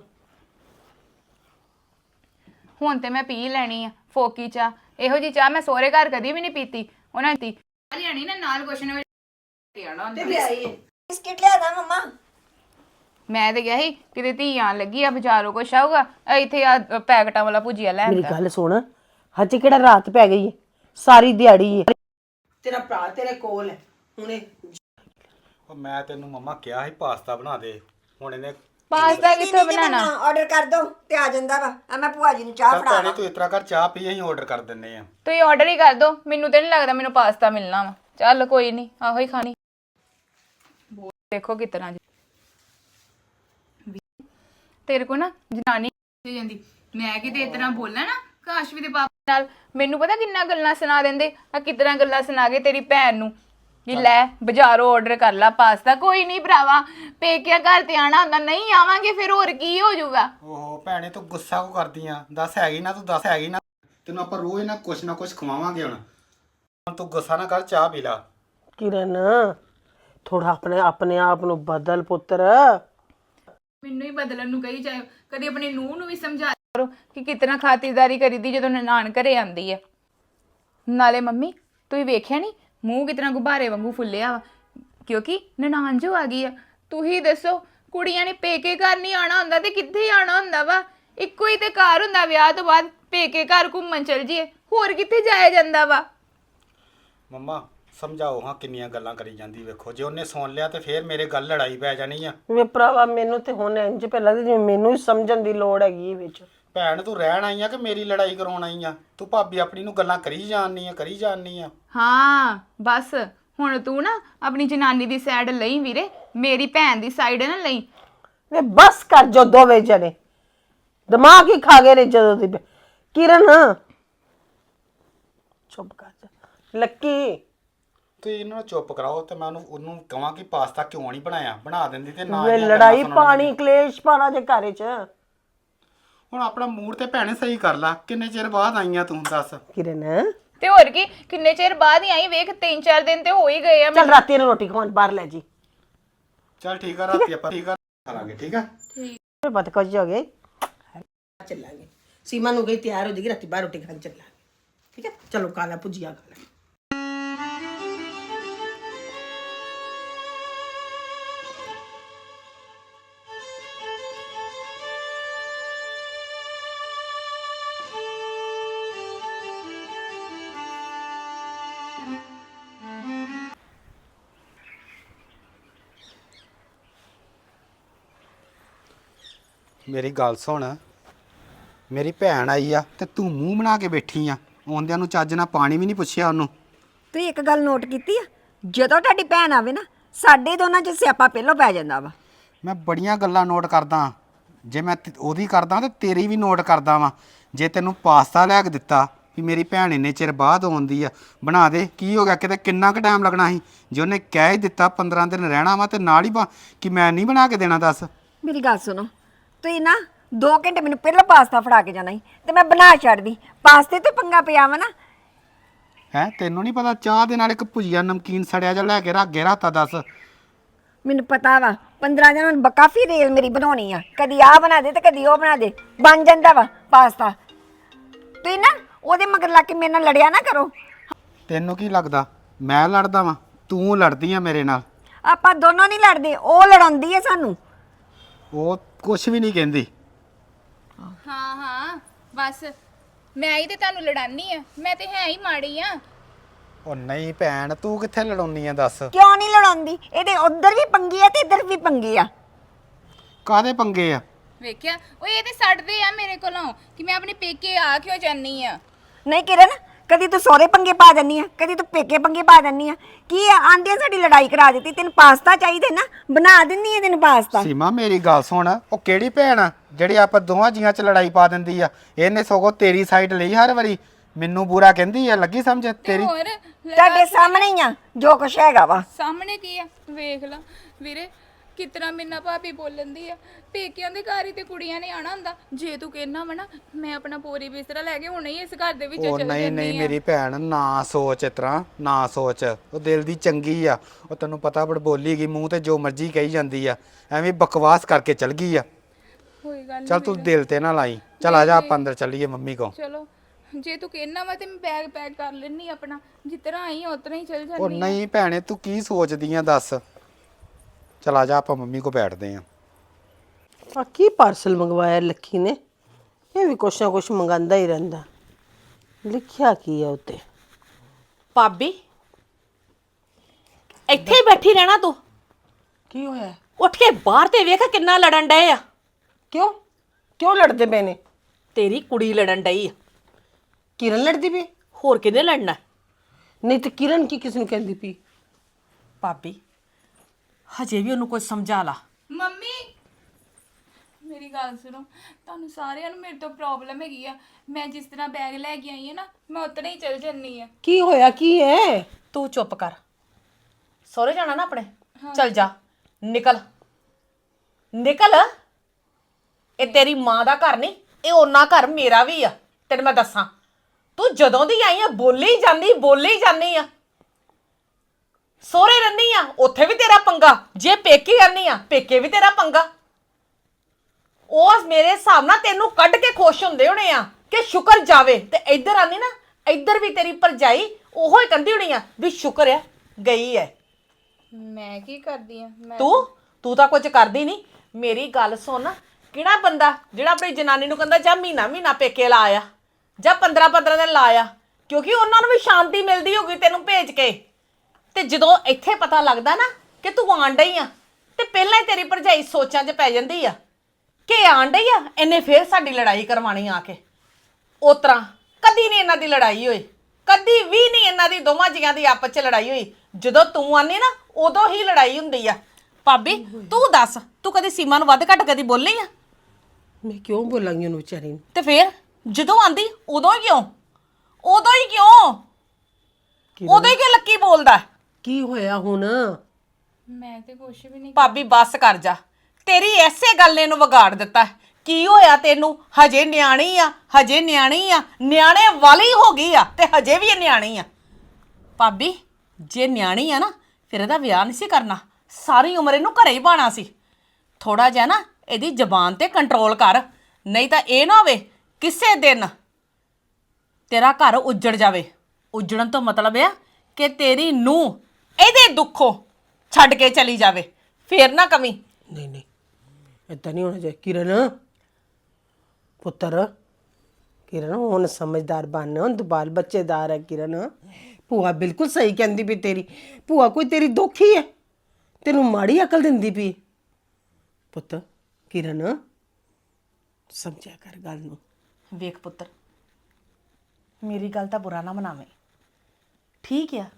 ਹੁਣ ਤੇ ਮੈਂ ਪੀ ਲੈਣੀ ਆ ਫੋਕੀ ਚਾਹ। ਇਹੋ ਜੀ ਚਾਹ ਮੈਂ ਸਹੁਰੇ ਘਰ ਕਦੀ ਵੀ ਨਹੀਂ ਪੀਤੀ। ਉਹਨਾਂ ਨੇ ਲਿਆਣੀ ਨਾ ਨਾਲ ਕੁਛ ਨਾ ਤੇ ਲਿਆਈ ਏ ਬਿਸਕਿਟ ਲਿਆ ਦਾਂ ਮੰਮਾ? ਮੈਂ ਤੇ ਗਿਆ ਸੀ ਕਿਤੇ ਧੀ ਆਣ ਲੱਗੀ ਆ ਬਾਜ਼ਾਰੋਂ ਕੁਛ ਆਊਗਾ, ਇੱਥੇ ਆ ਪੈਕਟਾਂ ਵਾਲਾ ਭੁਜੀਆ ਲੈ ਮੇਰੀ ਆਂਦਾ। ਗੱਲ ਸੁਣ, ਹਜੇ ਕਿਹੜਾ ਰਾਤ ਪੈ ਗਈ ਏ, ਸਾਰੀ ਦਿਹਾੜੀ ਏ। ਤੇਰਾ ਭਰਾ ਤੇਰੇ ਕੋਲ ਹੈ ਹੁਣੇ। ਉਹ ਮੈਂ ਤੈਨੂੰ ਮੰਮਾ ਕਿਹਾ ਸੀ ਪਾਸਤਾ ਬਣਾ ਦੇ, ਹੁਣ ਇਹਨੇ ਪਾਸਤਾ ਕਿੱਥੋਂ ਬਣਾਣਾ? ਆਰਡਰ ਕਰ ਦੋ ਤੇ ਆ ਜਾਂਦਾ ਵਾ। ਆ ਮੈਂ ਭੂਆ ਜੀ ਨੂੰ ਚਾਹ ਚੱਲ ਫੜਾ ਭੈਣੇ ਤੂੰ ਇਸ ਤਰ੍ਹਾਂ ਕਰ, ਚਾਹ ਪੀ, ਅਸੀਂ ਆਰਡਰ ਕਰ ਦਿੰਨੇ ਆ। ਤੁਸੀਂ ਆਰਡਰ ਹੀ ਕਰ ਦੋ, ਮੈਨੂੰ ਤੇ ਨਹੀਂ ਲੱਗਦਾ ਮੈਨੂੰ ਪਾਸਤਾ ਮਿਲਣਾ ਵਾ। ਚੱਲ ਕੋਈ ਨਹੀਂ, ਆਹੋ ਹੀ ਖਾਣੀ। ਦੇਖੋ ਕਿਤਨਾ ਜੀ ਤੇਰੇ ਕੋ ਨਾ ਜਨਾਨੀ ਹੋ ਜਾਂਦੀ। ਮੈਂ ਕਿਤੇ ਇਤਨਾ ਬੋਲਾਂ ਨਾ ਕਾਸ਼ਵੀ ਦੇ ਪਾਪਾ ਨਾਲ, ਮੈਨੂੰ ਪਤਾ ਕਿੰਨਾ ਗੱਲਾਂ ਸੁਣਾ ਦਿੰਦੇ ਆ, ਕਿਤਨਾ ਗੱਲਾਂ ਸੁਣਾ ਕੇ ਤੇਰੀ ਭੈਣ ਨੂੰ ਕਿ ਲੈ ਬਾਜ਼ਾਰੋਂ ਆਰਡਰ ਕਰ ਲਾ ਪਾਸਤਾ। ਕੋਈ ਨਹੀਂ ਭਰਾਵਾ, ਪੇਕਿਆ ਘਰ ਤੇ ਆਣਾ ਹੁੰਦਾ, ਨਹੀਂ ਆਵਾਂਗੇ ਫਿਰ ਹੋਰ ਕੀ ਹੋ ਜਾਊਗਾ। ਓਹੋ ਭੈਣੇ ਤੂੰ ਗੁੱਸਾ ਕਿਉਂ ਕਰਦੀ ਆ? ਦੱਸ ਹੈਗੀ ਨਾ, ਤੂੰ ਦੱਸ ਹੈਗੀ ਨਾ, ਤੈਨੂੰ ਆਪਾਂ ਰੋਜ਼ ਨਾ ਕੁਛ ਨਾ ਕੁਛ ਖਵਾਵਾਂਗੇ। ਹੁਣ ਹੁਣ ਤੂੰ ਗੁੱਸਾ ਨਾ ਕਰ, ਚਾਹ ਪੀ ਲਾ। ਕਿਰਨ, ਥੋੜਾ ਆਪਣੇ ਆਪਣੇ ਆਪ ਨੂੰ ਬਦਲ ਪੁੱਤਰ। ਮੈਨੂੰ ਹੀ ਬਦਲਣ ਨੂੰ ਕਹੀ ਜਾਇਓ, ਕਦੀ ਆਪਣੀ ਨੂੰਹ ਨੂੰ ਵੀ ਸਮਝਾ ਕਰੋ ਕਿ ਕਿਤਨਾ ਖਾਤਰਦਾਰੀ ਕਰੀਦੀ ਜਦੋਂ ਨਨਾਣ ਘਰੇ ਆਂਦੀ ਹੈ। ਨਾਲੇ ਮੰਮੀ ਤੁਸੀਂ ਵੇਖਿਆ ਨਹੀਂ ਮੂੰਹ ਕਿਤਨਾ ਗੁਬਾਰੇ ਵਾਂਗੂ ਫੁੱਲਿਆ ਵਾ, ਕਿਉਂਕਿ ਨਨਾਣ ਜੋ ਆ ਗਈ ਆ। ਤੁਸੀਂ ਦੱਸੋ, ਕੁੜੀਆਂ ਨੇ ਪੇਕੇ ਘਰ ਨਹੀਂ ਆਣਾ ਹੁੰਦਾ ਤੇ ਕਿੱਥੇ ਆਣਾ ਹੁੰਦਾ ਵਾ? ਇੱਕੋ ਹੀ ਤੇ ਘਰ ਹੁੰਦਾ ਵਿਆਹ ਤੋਂ ਬਾਅਦ, ਪੇਕੇ ਘਰ ਘੁੰਮਣ ਚਲ ਜੀਏ, ਹੋਰ ਕਿੱਥੇ ਜਾਇਆ ਜਾਂਦਾ ਵਾ? ਮੰਮਾ ਸਮਝਾਓ ਹਾਂ, ਕਿੰਨੀਆਂ ਗੱਲਾਂ ਕਰੀ ਜਾਂਦੀ। ਵੇਖੋ ਜੇ ਉਹਨੇ ਸੁਣ ਲਿਆ ਤੇ ਫੇਰ ਮੇਰੇ ਗੱਲ ਲੜਾਈ ਪੈ ਜਾਣੀ ਆ। ਵੇ ਭਰਾਵਾ, ਮੈਨੂੰ ਤੇ ਹੁਣ ਇੰਜ ਪਹਿਲਾਂ ਤੇ ਜਿਵੇਂ ਮੈਨੂੰ ਹੀ ਸਮਝਣ ਦੀ ਲੋੜ ਹੈਗੀ ਵਿੱਚ। ਭੈਣ ਤੂੰ ਰਹਿਣ ਆਈ ਆ ਕਿ ਮੇਰੀ ਲੜਾਈ ਕਰਾਉਣ ਆਈ ਆ? ਤੂੰ ਭਾਬੀ ਆਪਣੀ ਨੂੰ ਗੱਲਾਂ ਕਰੀ ਜਾਣਨੀ ਆ, ਕਰੀ ਜਾਣਨੀ ਆ। ਹਾਂ ਬਸ ਹੁਣ ਤੂੰ ਨਾ ਆਪਣੀ ਜਨਾਨੀ ਦੀ ਸਾਈਡ ਲਈ ਵੀਰੇ, ਮੇਰੀ ਭੈਣ ਦੀ ਸਾਈਡ ਨਾ ਲਈ। ਵੇ ਬਸ ਕਰ ਜੋ ਦੋਵੇਂ ਜਣੇ, ਦਿਮਾਗ ਹੀ ਖਾ ਗਏ ਨੇ ਜਦੋਂ ਦੀ। ਕਿਰਨ ਚੁੱਪ ਕਰ ਜਾ। ਲੱਕੀ ਤੁਸੀਂ ਇਹਨਾਂ ਨੂੰ ਚੁੱਪ ਕਰਾਓ ਤੇ ਮੈਂ ਉਹਨੂੰ ਉਹਨੂੰ ਕਹਾਂ ਕਿ ਪਾਸਤਾ ਕਿਉਂ ਨਹੀਂ ਬਣਾਇਆ, ਬਣਾ ਦਿੰਦੀ ਤੇ ਨਾ ਵੇ ਇਹਦੀਆਂ ਗੱਲਾਂ ਲੜਾਈ ਸੁਣਨ ਪਾਣੀ ਲੱਗੀ। ਕਲੇਸ਼ ਪਾਣਾ ਜੇ ਘਰ ਚ। ਹੁਣ ਆਪਣਾ ਮੂਡ ਤੇ ਭੈਣੇ ਸਹੀ ਕਰ ਲਾ, ਕਿੰਨੇ ਚਿਰ ਬਾਅਦ ਆਈਆਂ ਤੂੰ, ਦੱਸ। ਕਿਰਨ ਤੇ ਹੋਰ ਕੀ, ਕਿੰਨੇ ਚਿਰ ਬਾਅਦ ਹੀ ਆਈ, ਵੇਖ ਤਿੰਨ ਚਾਰ ਦਿਨ ਤੇ ਹੋ ਹੀ ਗਏ ਆ। ਚੱਲ ਰਾਤੀ ਨੂੰ ਰੋਟੀ ਖਵਾਉਣ ਬਾਹਰ ਲੈ ਜੀ। ਚੱਲ ਠੀਕ ਆ, ਰਾਤੀ ਆਪਾਂ ਠੀਕ ਆ ਖਾ ਲਾਂਗੇ, ਠੀਕ ਆ। ਠੀਕ ਬਤ ਕੁਝ ਹੋ ਗਏ, ਚੱਲਾਂਗੇ। ਸੀਮਾ ਨੂੰ ਗਈ ਤਿਆਰ ਹੋ ਜਾਏਗੀ, ਰਾਤੀ ਬਾਹਰ ਰੋਟੀ ਖਾਣ ਚੱਲਾਂਗੇ, ਠੀਕ ਹੈ? ਚਲੋ ਕਾਲਾ ਭੁਜੀਆ ਖਾ ਲੈ। ਮੇਰੀ ਗੱਲ ਸੁਣ, ਮੇਰੀ ਭੈਣ ਆਈ ਆ ਤੇ ਤੂੰ ਮੂੰਹ ਬਣਾ ਕੇ ਬੈਠੀ ਆ। ਆਉਂਦਿਆਂ ਨੂੰ ਚੱਜ ਨਾਲ ਪਾਣੀ ਵੀ ਨਹੀਂ ਪੁੱਛਿਆ ਉਹਨੂੰ। ਤੁਸੀਂ ਇੱਕ ਗੱਲ ਨੋਟ ਕੀਤੀ ਆ, ਜਦੋਂ ਤੁਹਾਡੀ ਭੈਣ ਆਵੇ ਨਾ ਸਾਡੇ ਦੋਨਾਂ 'ਚ ਸਿਆਪਾ ਪਹਿਲਾਂ ਪੈ ਜਾਂਦਾ ਵਾ। ਮੈਂ ਬੜੀਆਂ ਗੱਲਾਂ ਨੋਟ ਕਰਦਾ, ਜੇ ਮੈਂ ਤੇ- ਉਹਦੀ ਕਰਦਾ ਤੇ ਤੇਰੀ ਵੀ ਨੋਟ ਕਰਦਾ ਵਾਂ। ਜੇ ਤੈਨੂੰ ਪਾਸਤਾ ਲਿਆ ਕੇ ਦਿੱਤਾ ਵੀ ਮੇਰੀ ਭੈਣ ਇੰਨੇ ਚਿਰ ਬਾਅਦ ਆਉਂਦੀ ਆ, ਬਣਾ ਦੇ, ਕੀ ਹੋ ਗਿਆ? ਕਿਤੇ ਕਿੰਨਾ ਕੁ ਟਾਈਮ ਲੱਗਣਾ ਸੀ? ਜੇ ਉਹਨੇ ਕਹਿ ਹੀ ਦਿੱਤਾ ਪੰਦਰਾਂ ਦਿਨ ਰਹਿਣਾ ਵਾ ਤੇ ਨਾਲ ਹੀ ਬਾ ਕਿ ਮੈਂ ਨਹੀਂ ਬਣਾ ਕੇ ਦੇਣਾ? ਦੱਸ। ਮੇਰੀ ਗੱਲ ਸੁਣੋ, ਤੁਸੀਂ ਨਾ ਦੋ ਘੰਟੇ ਮੈਨੂੰ ਪਹਿਲਾਂ ਪਾਸਤਾ ਫੜਾ ਕੇ ਜਾਣਾ ਸੀ ਤੇ ਮੈਂ ਬਣਾ ਛੱਡਦੀ। ਪਾਸਤੇ ਤੋਂ ਪੰਗਾ ਪਿਆ ਵਾ ਨਾ। ਹੈ ਤੈਨੂੰ ਨਹੀਂ ਪਤਾ ਚਾਹ ਦੇ ਨਾਲ ਇੱਕ ਭੁਜੀਆ ਨਮਕੀਨ ਸੜਿਆ ਜਿਹਾ ਲੈ ਕੇ ਰੱਖ ਕੇ ਰਾਤਾ? ਦੱਸ। ਮੈਨੂੰ ਪਤਾ ਵਾ ਪੰਦਰਾਂ ਦਿਨ ਹੁਣ ਕਾਫੀ ਰੇਲ ਮੇਰੀ ਬਣਾਉਣੀ ਆ, ਕਦੀ ਆਹ ਬਣਾ ਦੇ ਤੇ ਕਦੀ ਉਹ ਬਣਾ ਦੇ, ਬਣ ਜਾਂਦਾ ਵਾ ਪਾਸਤਾ। ਤੁਸੀਂ ਨਾ ਉਹਦੇ ਮਗਰ ਲੱਗ ਕੇ ਮੇਰੇ ਨਾਲ ਲੜਿਆ ਨਾ ਕਰੋ। ਤੈਨੂੰ ਕੀ ਲੱਗਦਾ ਮੈਂ ਲੜਦਾ ਵਾਂ? ਤੂੰ ਲੜਦੀ ਆ ਮੇਰੇ ਨਾਲ। ਆਪਾਂ ਦੋਨੋਂ ਨਹੀਂ ਲੜਦੇ, ਉਹ ਲੜਾਉਂਦੀ ਹੈ ਸਾਨੂੰ। ਉਹ ਕੁਛ ਵੀ ਨਹੀਂ ਕਹਿੰਦੀ। ਹਾਂ ਹਾਂ ਬਸ ਮੈਂ ਹੀ ਤੇ ਤੁਹਾਨੂੰ ਲੜਾਨੀ ਆ, ਮੈਂ ਤੇ ਹੈ ਹੀ ਮਾੜੀ ਆ। ਉਹ ਨਹੀਂ ਭੈਣ, ਤੂੰ ਕਿੱਥੇ ਲੜਾਉਣੀ ਆ? ਦੱਸ। ਕਿਉਂ ਨਹੀਂ ਲੜਾਉਂਦੀ? ਇਹਦੇ ਉੱਧਰ ਵੀ ਪੰਗੀ ਆ ਤੇ ਇੱਧਰ ਵੀ ਪੰਗੀ ਆ। ਕਾਹਦੇ ਪੰਗੇ ਆ? ਵੇਖਿਆ ਉਹ ਇਹ ਤੇ ਛੱਡਦੇ ਆ ਮੇਰੇ ਕੋਲੋਂ ਕਿ ਮੈਂ ਆਪਣੇ ਪੇਕੇ ਆ ਕਿਉਂ ਜਾਨੀ ਆ। ਨਹੀਂ ਕਿਰਨ, ਕਦੀ ਤੂੰ ਸਹੁਰੇ ਪੰਗੇ ਪਾ ਦਿੰਨੀ ਆ, ਕਦੀ ਤੂੰ ਪੇਕੇ ਪੰਗੇ ਪਾ ਦਿੰਨੀ ਆ। ਕੀ ਆ, ਆਂਦਿਆਂ ਸਾਡੀ ਲੜਾਈ ਕਰਾ ਦਿੱਤੀ। ਤੈਨੂੰ ਪਾਸਤਾ ਚਾਹੀਦਾ ਨਾ, ਬਣਾ ਦਿੰਨੀ ਆ ਤੈਨੂੰ ਪਾਸਤਾ। ਸੀਮਾ ਮੇਰੀ ਗੱਲ ਸੁਣ, ਉਹ ਕਿਹੜੀ ਭੈਣ ਆ ਜਿਹੜੀ ਆਪਾਂ ਦੋਵਾਂ ਜੀਆਂ 'ਚ ਲੜਾਈ ਪਾ ਦਿੰਦੀ ਆ? ਇਹਨੇ ਸਗੋਂ ਤੇਰੀ ਸਾਈਡ ਲਈ ਹਰ ਵਾਰੀ, ਮੈਨੂੰ ਬੁਰਾ ਕਹਿੰਦੀ ਆ। ਲੱਗੀ ਸਮਝ ਤੇ ਤੇਰੀ? ਹੋਰ ਤੁਹਾਡੇ ਸਾਹਮਣੇ ਹੀ ਆ ਜੋ ਕੁਛ ਹੈਗਾ ਵਾ। ਸਾਹਮਣੇ ਕੀ ਆ ਵੇਖ ਲਾ ਵੀਰੇ, ਕਿਤਨਾ ਮਿੰਨਾ ਭਾਬੀ ਬੋਲਣ ਦੀ ਆ। ਪੇਕਿਆਂ ਦੇ ਘਰ ਹੀ ਤੇ ਕੁੜੀਆਂ ਨੇ ਆਣਾ ਹੁੰਦਾ। ਜੇ ਤੂੰ ਕਹਿਣਾ ਵਾ ਨਾ ਮੈਂ ਆਪਣਾ ਪੋਰੀ ਬਿਸਤਰਾ ਲੈ ਕੇ ਹੁਣੇ ਹੀ ਇਸ ਘਰ ਦੇ ਵਿੱਚ ਉਹ ਚਲ ਨਹੀਂ ਜਾਂਦੀ ਨਹੀਂ ਆ। ਮੇਰੀ ਭੈਣ, ਨਾ ਸੋਚ ਇਸ ਤਰ੍ਹਾਂ, ਨਾ ਸੋਚ। ਉਹ ਦਿਲ ਦੀ ਚੰਗੀ ਆ। ਉਹ ਤੈਨੂੰ ਪਤਾ ਬੜ ਬੋਲੀ ਗਈ, ਮੂੰਹ ਤੇ ਜੋ ਮਰਜ਼ੀ ਕਹੀ ਜਾਂਦੀ ਆ, ਐਵੇਂ ਬਕਵਾਸ ਕਰਕੇ ਚਲ ਗਈ ਆ। ਕੋਈ ਗੱਲ ਚੱਲ ਨਹੀਂ ਤੂੰ ਦਿਲ ਤੇ ਨਾ ਲਾਈ। ਚੱਲ ਆ ਜਾ ਆਪਾਂ ਅੰਦਰ ਚੱਲੀਏ ਮੰਮੀ ਕੋ। ਚਲੋ ਜੇ ਤੂੰ ਕਹਿਣਾ ਵਾ ਤੇ ਮੈਂ ਬੈਗ ਪੈਕ ਕਰ ਲੈਣੀ ਆਪਣਾ, ਜਿੱਤਰਾ ਆਈ ਆ ਉਤਰਾ ਹੀ ਚਲ ਉਹ ਜਾਂਦੀ ਆ। ਨਹੀਂ ਭੈਣੇ, ਤੂੰ ਕੀ ਸੋਚਦੀ ਆ? ਦੱਸ। ਚਲ ਆ ਜਾ ਆਪਾਂ ਮੰਮੀ ਕੋ ਬੈਠਦੇ ਆ। ਆ ਕੀ ਪਾਰਸਲ ਮੰਗਵਾਇਆ ਲੱਕੀ ਨੇ? ਇਹ ਵੀ ਕੁਛ ਨਾ ਕੁਛ ਮੰਗਾਂਦਾ ਹੀ ਰਹਿੰਦਾ। ਲਿਖਿਆ ਕੀ ਹੈ ਉੱਤੇ? ਭਾਬੀ ਇੱਥੇ ਹੀ ਬੈਠੀ ਰਹਿਣਾ ਤੂੰ? ਕੀ ਹੋਇਆ? ਉੱਠ ਕੇ ਬਾਹਰ ਤੇ ਵੇਖ ਕਿੰਨਾ ਲੜਨ ਡਏ ਆ। ਕਿਉਂ ਕਿਉਂ ਲੜਦੇ ਪਏ ਨੇ? ਤੇਰੀ ਕੁੜੀ ਲੜਨ ਡਈ ਆ। ਕਿਰਨ ਲੜਦੀ ਪਈ? ਹੋਰ ਕਿਹਨੇ ਲੜਨਾ? ਨਹੀਂ ਤੇ ਕਿਰਨ ਕੀ ਕਿਸ ਨੂੰ ਕਹਿੰਦੀ ਪਈ? ਭਾਬੀ ਹਜੇ ਵੀ ਉਹਨੂੰ ਕੁਝ ਸਮਝਾ ਲਾ। ਮੰਮੀ ਮੇਰੀ ਗੱਲ ਸੁਣੋ, ਤੁਹਾਨੂੰ ਸਾਰਿਆਂ ਨੂੰ ਮੇਰੇ ਤੋਂ ਪ੍ਰੋਬਲਮ ਹੈਗੀ ਆ। ਮੈਂ ਜਿਸ ਤਰ੍ਹਾਂ ਬੈਗ ਲੈ ਕੇ ਆਈ ਹਾਂ ਨਾ, ਮੈਂ ਉਤਨਾ ਹੀ ਚਲ ਜੰਨੀ ਆ। ਕੀ ਹੋਇਆ? ਕੀ ਹੈ? ਤੂੰ ਚੁੱਪ ਕਰ। ਸਹੁਰੇ ਜਾਣਾ ਨਾ ਆਪਣੇ? ਚੱਲ ਜਾ, ਨਿਕਲ ਨਿਕਲ। ਇਹ ਤੇਰੀ ਮਾਂ ਦਾ ਘਰ ਨਹੀਂ, ਇਹ ਉਹਨਾਂ ਘਰ ਮੇਰਾ ਵੀ ਆ। ਤੈਨੂੰ ਮੈਂ ਦੱਸਾਂ, ਤੂੰ ਜਦੋਂ ਦੀ ਆਈ ਆ ਬੋਲੀ ਜਾਂਦੀ ਬੋਲੀ ਜਾਂਦੀ ਆ। ਸਹੁਰੇ ਰਹਿੰਦੀ ਆ ਉੱਥੇ ਵੀ ਤੇਰਾ ਪੰਗਾ, ਜੇ ਪੇਕੇ ਰਹਿੰਦੀ ਆ ਪੇਕੇ ਵੀ ਤੇਰਾ ਪੰਗਾ। ਉਸ ਮੇਰੇ ਹਿਸਾਬ ਨਾਲ ਤੈਨੂੰ ਕੱਢ ਕੇ ਖੁਸ਼ ਹੁੰਦੇ ਹੋਣੇ ਆ ਕਿ ਸ਼ੁਕਰ ਜਾਵੇ। ਤੇ ਇੱਧਰ ਆਨੀ ਨਾ, ਇੱਧਰ ਵੀ ਤੇਰੀ ਭਰਜਾਈ ਉਹੋ ਹੀ ਕਹਿੰਦੀ ਹੋਣੀ ਆ ਵੀ ਸ਼ੁਕਰ ਆ ਗਈ ਐ। ਮੈਂ ਕੀ ਕਰਦੀ ਆ? ਮੈਂ ਤੂੰ ਤੂੰ ਤਾਂ ਕੁਝ ਕਰਦੀ ਨਹੀਂ। ਮੇਰੀ ਗੱਲ ਸੁਣ, ਕਿਹੜਾ ਬੰਦਾ ਜਿਹੜਾ ਆਪਣੀ ਜਨਾਨੀ ਨੂੰ ਕਹਿੰਦਾ ਜਾਂ ਮਹੀਨਾ ਮਹੀਨਾ ਪੇਕੇ ਲਾ ਆ ਜਾਂ ਪੰਦਰਾਂ ਪੰਦਰਾਂ ਦਿਨ ਲਾ ਆ? ਕਿਉਂਕਿ ਉਹਨਾਂ ਨੂੰ ਵੀ ਸ਼ਾਂਤੀ ਮਿਲਦੀ ਹੋਗੀ ਤੈਨੂੰ ਭੇਜ ਕੇ। ਤੇ ਜਦੋਂ ਇੱਥੇ ਪਤਾ ਲੱਗਦਾ ਨਾ ਕਿ ਤੂੰ ਆਣ ਡਈ ਆ, ਤੇ ਪਹਿਲਾਂ ਹੀ ਤੇਰੀ ਭਰਜਾਈ ਸੋਚਾਂ 'ਚ ਪੈ ਜਾਂਦੀ ਆ ਕਿ ਆਣ ਡਈ ਆ ਇਹਨੇ ਫੇਰ ਸਾਡੀ ਲੜਾਈ ਕਰਵਾਣੀ ਆ ਕੇ। ਉਸ ਤਰ੍ਹਾਂ ਕਦੀ ਨਹੀਂ ਇਹਨਾਂ ਦੀ ਲੜਾਈ ਹੋਈ, ਕਦੀ ਵੀ ਨਹੀਂ ਇਹਨਾਂ ਦੀ ਦੋਵਾਂ ਜੀਆਂ ਦੀ ਆਪਸ 'ਚ ਲੜਾਈ ਹੋਈ। ਜਦੋਂ ਤੂੰ ਆਨੀ ਨਾ ਉਦੋਂ ਹੀ ਲੜਾਈ ਹੁੰਦੀ ਆ। ਭਾਬੀ ਤੂੰ ਦੱਸ, ਤੂੰ ਕਦੀ ਸੀਮਾ ਨੂੰ ਵੱਧ ਘੱਟ ਕਦੀ ਬੋਲੀ ਆ? ਮੈਂ ਕਿਉਂ ਬੋਲਾਂਗੀ ਉਹਨੂੰ ਵਿਚਾਰੀ ਨੂੰ? ਤੇ ਫੇਰ ਜਦੋਂ ਆਂਦੀ ਉਦੋਂ ਹੀ ਕਿਉਂ? ਉਦੋਂ ਹੀ ਕਿਉਂ? ਉਦੋਂ ਹੀ ਕਿਉਂ ਲੱਕੀ ਬੋਲਦਾ? ਕੀ ਹੋਇਆ ਹੁਣ? ਮੈਂ ਤੇ ਕੁਛ ਵੀ ਨਹੀਂ। ਭਾਬੀ ਬੱਸ ਕਰ ਜਾ, ਤੇਰੀ ਐਸੇ ਗੱਲ ਨੇ ਇਹਨੂੰ ਵਿਗਾੜ ਦਿੱਤਾ। ਕੀ ਹੋਇਆ ਤੈਨੂੰ? ਹਜੇ ਨਿਆਣੀ ਆ, ਹਜੇ ਨਿਆਣੀ ਆ, ਨਿਆਣੇ ਵਾਲੀ ਹੋ ਗਈ ਆ ਤੇ ਹਜੇ ਵੀ ਇਹ ਨਿਆਣੀ ਆ। ਭਾਬੀ ਜੇ ਨਿਆਣੀ ਆ ਨਾ ਫਿਰ ਇਹਦਾ ਵਿਆਹ ਨਹੀਂ ਸੀ ਕਰਨਾ, ਸਾਰੀ ਉਮਰ ਇਹਨੂੰ ਘਰੇ ਹੀ ਬਾਣਾ ਸੀ। ਥੋੜਾ ਜਿਹਾ ਨਾ ਇਹਦੀ ਜ਼ਬਾਨ ਤੇ ਕੰਟਰੋਲ ਕਰ, ਨਹੀਂ ਤਾਂ ਇਹ ਨਾ ਹੋਵੇ ਕਿਸੇ ਦਿਨ ਤੇਰਾ ਘਰ ਉੱਜੜ ਜਾਵੇ। ਉੱਜੜਨ ਤੋਂ ਮਤਲਬ ਆ ਕਿ ਤੇਰੀ ਨੂੰਹ ਇਹਦੇ ਦੁੱਖੋਂ ਛੱਡ ਕੇ ਚਲੀ ਜਾਵੇ, ਫੇਰ ਨਾ ਕਮੀ। ਨਹੀਂ ਨਹੀਂ, ਏਦਾਂ ਨਹੀਂ ਹੋਣਾ ਚਾਹੀਦਾ। ਕਿਰਨ ਪੁੱਤਰ, ਕਿਰਨ ਹੁਣ ਸਮਝਦਾਰ ਬਣ, ਹੁਣ ਬਾਲ ਬੱਚੇਦਾਰ ਹੈ ਕਿਰਨ। ਭੂਆ ਬਿਲਕੁਲ ਸਹੀ ਕਹਿੰਦੀ ਵੀ ਤੇਰੀ ਭੂਆ ਕੋਈ ਤੇਰੀ ਦੁੱਖੀ ਹੈ, ਤੈਨੂੰ ਮਾੜੀ ਅਕਲ ਦਿੰਦੀ ਪਈ। ਪੁੱਤ ਕਿਰਨ ਸਮਝਿਆ ਕਰ ਗੱਲ ਨੂੰ। ਵੇਖ ਪੁੱਤਰ, ਮੇਰੀ ਗੱਲ ਤਾਂ ਬੁਰਾ ਨਾ ਮਨਾਵੇਂ, ਠੀਕ ਆ?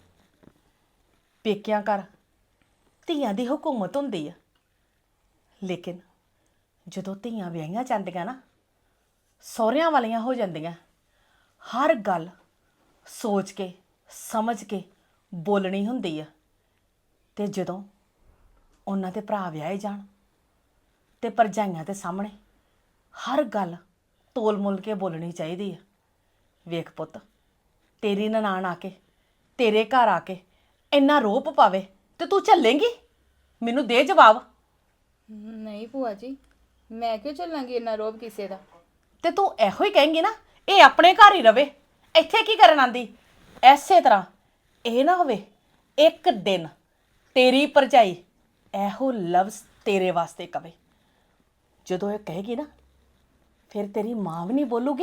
ਪੇਕਿਆਂ ਘਰ ਧੀਆਂ ਦੀ ਹਕੂਮਤ ਹੁੰਦੀ ਆ, ਲੇਕਿਨ ਜਦੋਂ ਧੀਆਂ ਵਿਆਹੀਆਂ ਜਾਂਦੀਆਂ ਨਾ, ਸਹੁਰਿਆਂ ਵਾਲੀਆਂ ਹੋ ਜਾਂਦੀਆਂ, ਹਰ ਗੱਲ ਸੋਚ ਕੇ ਸਮਝ ਕੇ ਬੋਲਣੀ ਹੁੰਦੀ ਆ। ਤੇ ਜਦੋਂ ਉਹਨਾਂ ਦੇ ਭਰਾ ਵਿਆਹੇ ਜਾਣ ਤੇ ਭਰਜਾਈਆਂ ਦੇ ਸਾਹਮਣੇ ਹਰ ਗੱਲ ਤੋਲ ਮੁੱਲ ਕੇ ਬੋਲਣੀ ਚਾਹੀਦੀ ਆ। ਵੇਖ ਪੁੱਤ, ਤੇਰੀ ਨਨਾਣ ਆ ਕੇ ਤੇਰੇ ਘਰ ਆ ਕੇ ਇੰਨਾ ਰੋਪ ਪਾਵੇ ਤੇ ਤੂੰ ਝੱਲੇਂਗੀ? ਮੈਨੂੰ ਦੇ ਜਵਾਬ। ਨਹੀਂ ਭੂਆ ਜੀ, ਮੈਂ ਕਿਉਂ ਚੱਲਾਂਗੀ ਇੰਨਾ ਰੋਬ ਕਿਸੇ ਦਾ? ਤੇ ਤੂੰ ਇਹੋ ਹੀ ਕਹੇਂਗੀ ਨਾ, ਇਹ ਆਪਣੇ ਘਰ ਹੀ ਰਵੇ, ਇੱਥੇ ਕੀ ਕਰਨ ਆਂਦੀ? ਐਸੇ ਤਰ੍ਹਾਂ ਇਹ ਨਾ ਹੋਵੇ ਇੱਕ ਦਿਨ ਤੇਰੀ ਭਰਜਾਈ ਇਹੋ ਲਫ਼ਜ਼ ਤੇਰੇ ਵਾਸਤੇ ਕਵੇ, ਜਦੋਂ ਇਹ ਕਹੇਗੀ ਨਾ, ਫਿਰ ਤੇਰੀ ਮਾਂ ਵੀ ਨਹੀਂ ਬੋਲੂਗੀ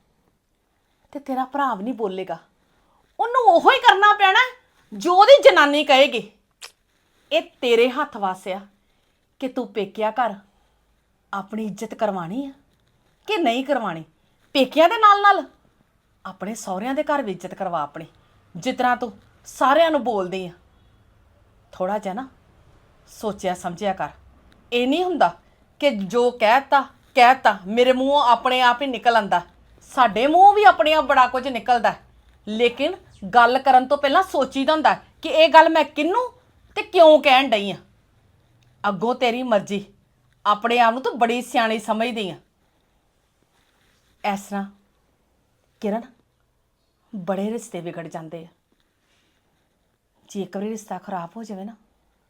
ਤੇ ਤੇਰਾ ਭਰਾ ਵੀ ਨਹੀਂ ਬੋਲੇਗਾ। ਉਹਨੂੰ ਉਹੋ ਹੀ ਕਰਨਾ ਪੈਣਾ ਜੋ ਉਹਦੀ ਜਨਾਨੀ ਕਹੇਗੀ। ਇਹ ਤੇਰੇ ਹੱਥ ਵਾਸਿਆ ਕਿ ਤੂੰ ਪੇਕਿਆ ਘਰ ਆਪਣੀ ਇੱਜ਼ਤ ਕਰਵਾਣੀ ਆ ਕਿ ਨਹੀਂ ਕਰਵਾਣੀ। ਪੇਕਿਆਂ ਦੇ ਨਾਲ ਨਾਲ ਆਪਣੇ ਸਹੁਰਿਆਂ ਦੇ ਘਰ ਵੀ ਇੱਜ਼ਤ ਕਰਵਾ ਆਪਣੀ, ਜਿਸ ਤਰ੍ਹਾਂ ਤੂੰ ਸਾਰਿਆਂ ਨੂੰ ਬੋਲਦੀ ਆ। ਥੋੜਾ ਜਿਹਾ ਨਾ ਸੋਚਿਆ ਸਮਝਿਆ ਕਰ। ਇਹ ਨਹੀਂ ਹੁੰਦਾ ਕਿ ਜੋ ਕਹਿਤਾ ਕਹਿਤਾ ਮੇਰੇ ਮੂੰਹੋਂ ਆਪਣੇ ਆਪ ਹੀ ਨਿਕਲ ਆਂਦਾ। ਸਾਡੇ ਮੂੰਹੋਂ ਵੀ ਆਪਣੇ ਆਪ ਬੜਾ ਕੁਝ ਨਿਕਲਦਾ, ਲੇਕਿਨ ਗੱਲ ਕਰਨ ਤੋਂ ਪਹਿਲਾਂ ਸੋਚੀਦਾ ਹੁੰਦਾ ਕਿ ਇਹ ਗੱਲ ਮੈਂ ਕਿਹਨੂੰ ਤੇ ਕਿਉਂ ਕਹਿਣ ਡਈ ਆ। ਅੱਗੋਂ ਤੇਰੀ ਮਰਜ਼ੀ, ਆਪਣੇ ਆਪ ਨੂੰ ਤੂੰ ਬੜੀ ਸਿਆਣੀ ਸਮਝਦੀ ਆ। ਇਸ ਤਰ੍ਹਾਂ ਕਿਰਨ, ਬੜੇ ਰਿਸ਼ਤੇ ਵਿਗੜ ਜਾਂਦੇ ਆ। ਜੇ ਇੱਕ ਵਾਰੀ ਰਿਸ਼ਤਾ ਖਰਾਬ ਹੋ ਜਾਵੇ ਨਾ,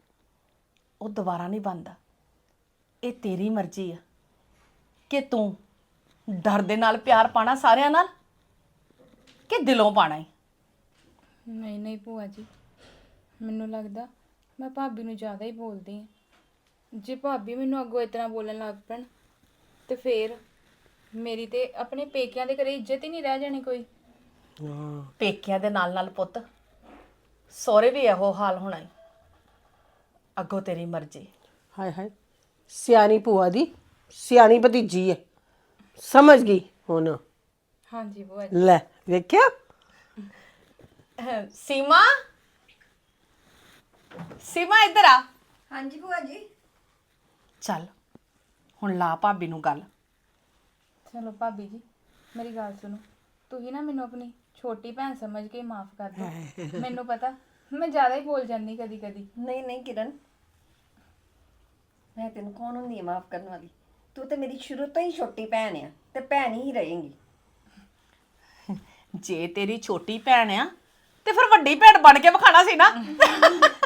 ਉਹ ਦੁਬਾਰਾ ਨਹੀਂ ਬਣਦਾ। ਇਹ ਤੇਰੀ ਮਰਜ਼ੀ ਆ ਕਿ ਤੂੰ ਡਰ ਦੇ ਨਾਲ ਪਿਆਰ ਪਾਣਾ ਸਾਰਿਆਂ ਨਾਲ ਕਿ ਦਿਲੋਂ ਪਾਣਾ ਹੈ। ਨਹੀਂ ਨਹੀਂ ਭੂਆ ਜੀ, ਮੈਨੂੰ ਲੱਗਦਾ ਮੈਂ ਭਾਬੀ ਨੂੰ ਜ਼ਿਆਦਾ ਹੀ ਬੋਲਦੀ ਹਾਂ। ਜੇ ਭਾਬੀ ਮੈਨੂੰ ਅੱਗੋਂ ਇਤਨਾ ਬੋਲਣ ਲੱਗ ਪੈਣ ਤੇ ਫੇਰ ਮੇਰੀ ਤੇ ਆਪਣੇ ਪੇਕਿਆਂ ਦੇ ਘਰੇ ਇੱਜ਼ਤ ਹੀ ਨਹੀਂ ਰਹਿ ਜਾਣੀ ਕੋਈ। ਪੇਕਿਆਂ ਦੇ ਨਾਲ ਨਾਲ ਪੁੱਤ ਸਹੁਰੇ ਵੀ ਇਹੋ ਹਾਲ ਹੋਣਾ ਹੈ। ਅੱਗੋਂ ਤੇਰੀ ਮਰਜ਼ੀ। ਹਾਏ ਹਾਏ, ਸਿਆਣੀ ਭੂਆ ਦੀ ਸਿਆਣੀ ਭਤੀਜੀ ਹੈ, ਸਮਝ ਗਈ ਹੁਣ। ਹਾਂਜੀ ਭੂਆ ਜੀ। ਲੈ ਵੇਖਿਆ, ਸੀਮਾ, ਸੀਮਾ ਇੱਧਰ ਆ। ਹਾਂਜੀ ਭੂਆ ਜੀ। ਚੱਲ ਹੁਣ ਲਾ ਭਾਬੀ ਨੂੰ ਗੱਲ। ਚਲੋ ਭਾਬੀ ਜੀ, ਮੇਰੀ ਗੱਲ ਸੁਣੋ। ਤੁਸੀਂ ਨਾ ਮੈਨੂੰ ਆਪਣੀ ਛੋਟੀ ਭੈਣ ਸਮਝ ਕੇ ਮਾਫ ਕਰ ਦਿਓ। ਮੈਨੂੰ ਪਤਾ ਮੈਂ ਜ਼ਿਆਦਾ ਹੀ ਬੋਲ ਜਾਂਦੀ ਕਦੀ ਕਦੀ। ਨਹੀਂ ਨਹੀਂ ਕਿਰਨ, ਮੈਂ ਤੈਨੂੰ ਕੌਣ ਹੁੰਦੀ ਆ ਮਾਫ ਕਰਨ ਵਾਲੀ? ਤੂੰ ਤੇ ਮੇਰੀ ਸ਼ੁਰੂ ਤੋਂ ਹੀ ਛੋਟੀ ਭੈਣ ਆ ਤੇ ਭੈਣ ਹੀ ਰਹੇਂਗੀ। ਜੇ ਤੇਰੀ ਛੋਟੀ ਭੈਣ ਆ ਤੇ ਫਿਰ ਵੱਡੀ ਭੈਣ ਬਣ ਕੇ ਵਿਖਾਣਾ ਸੀ ਨਾ।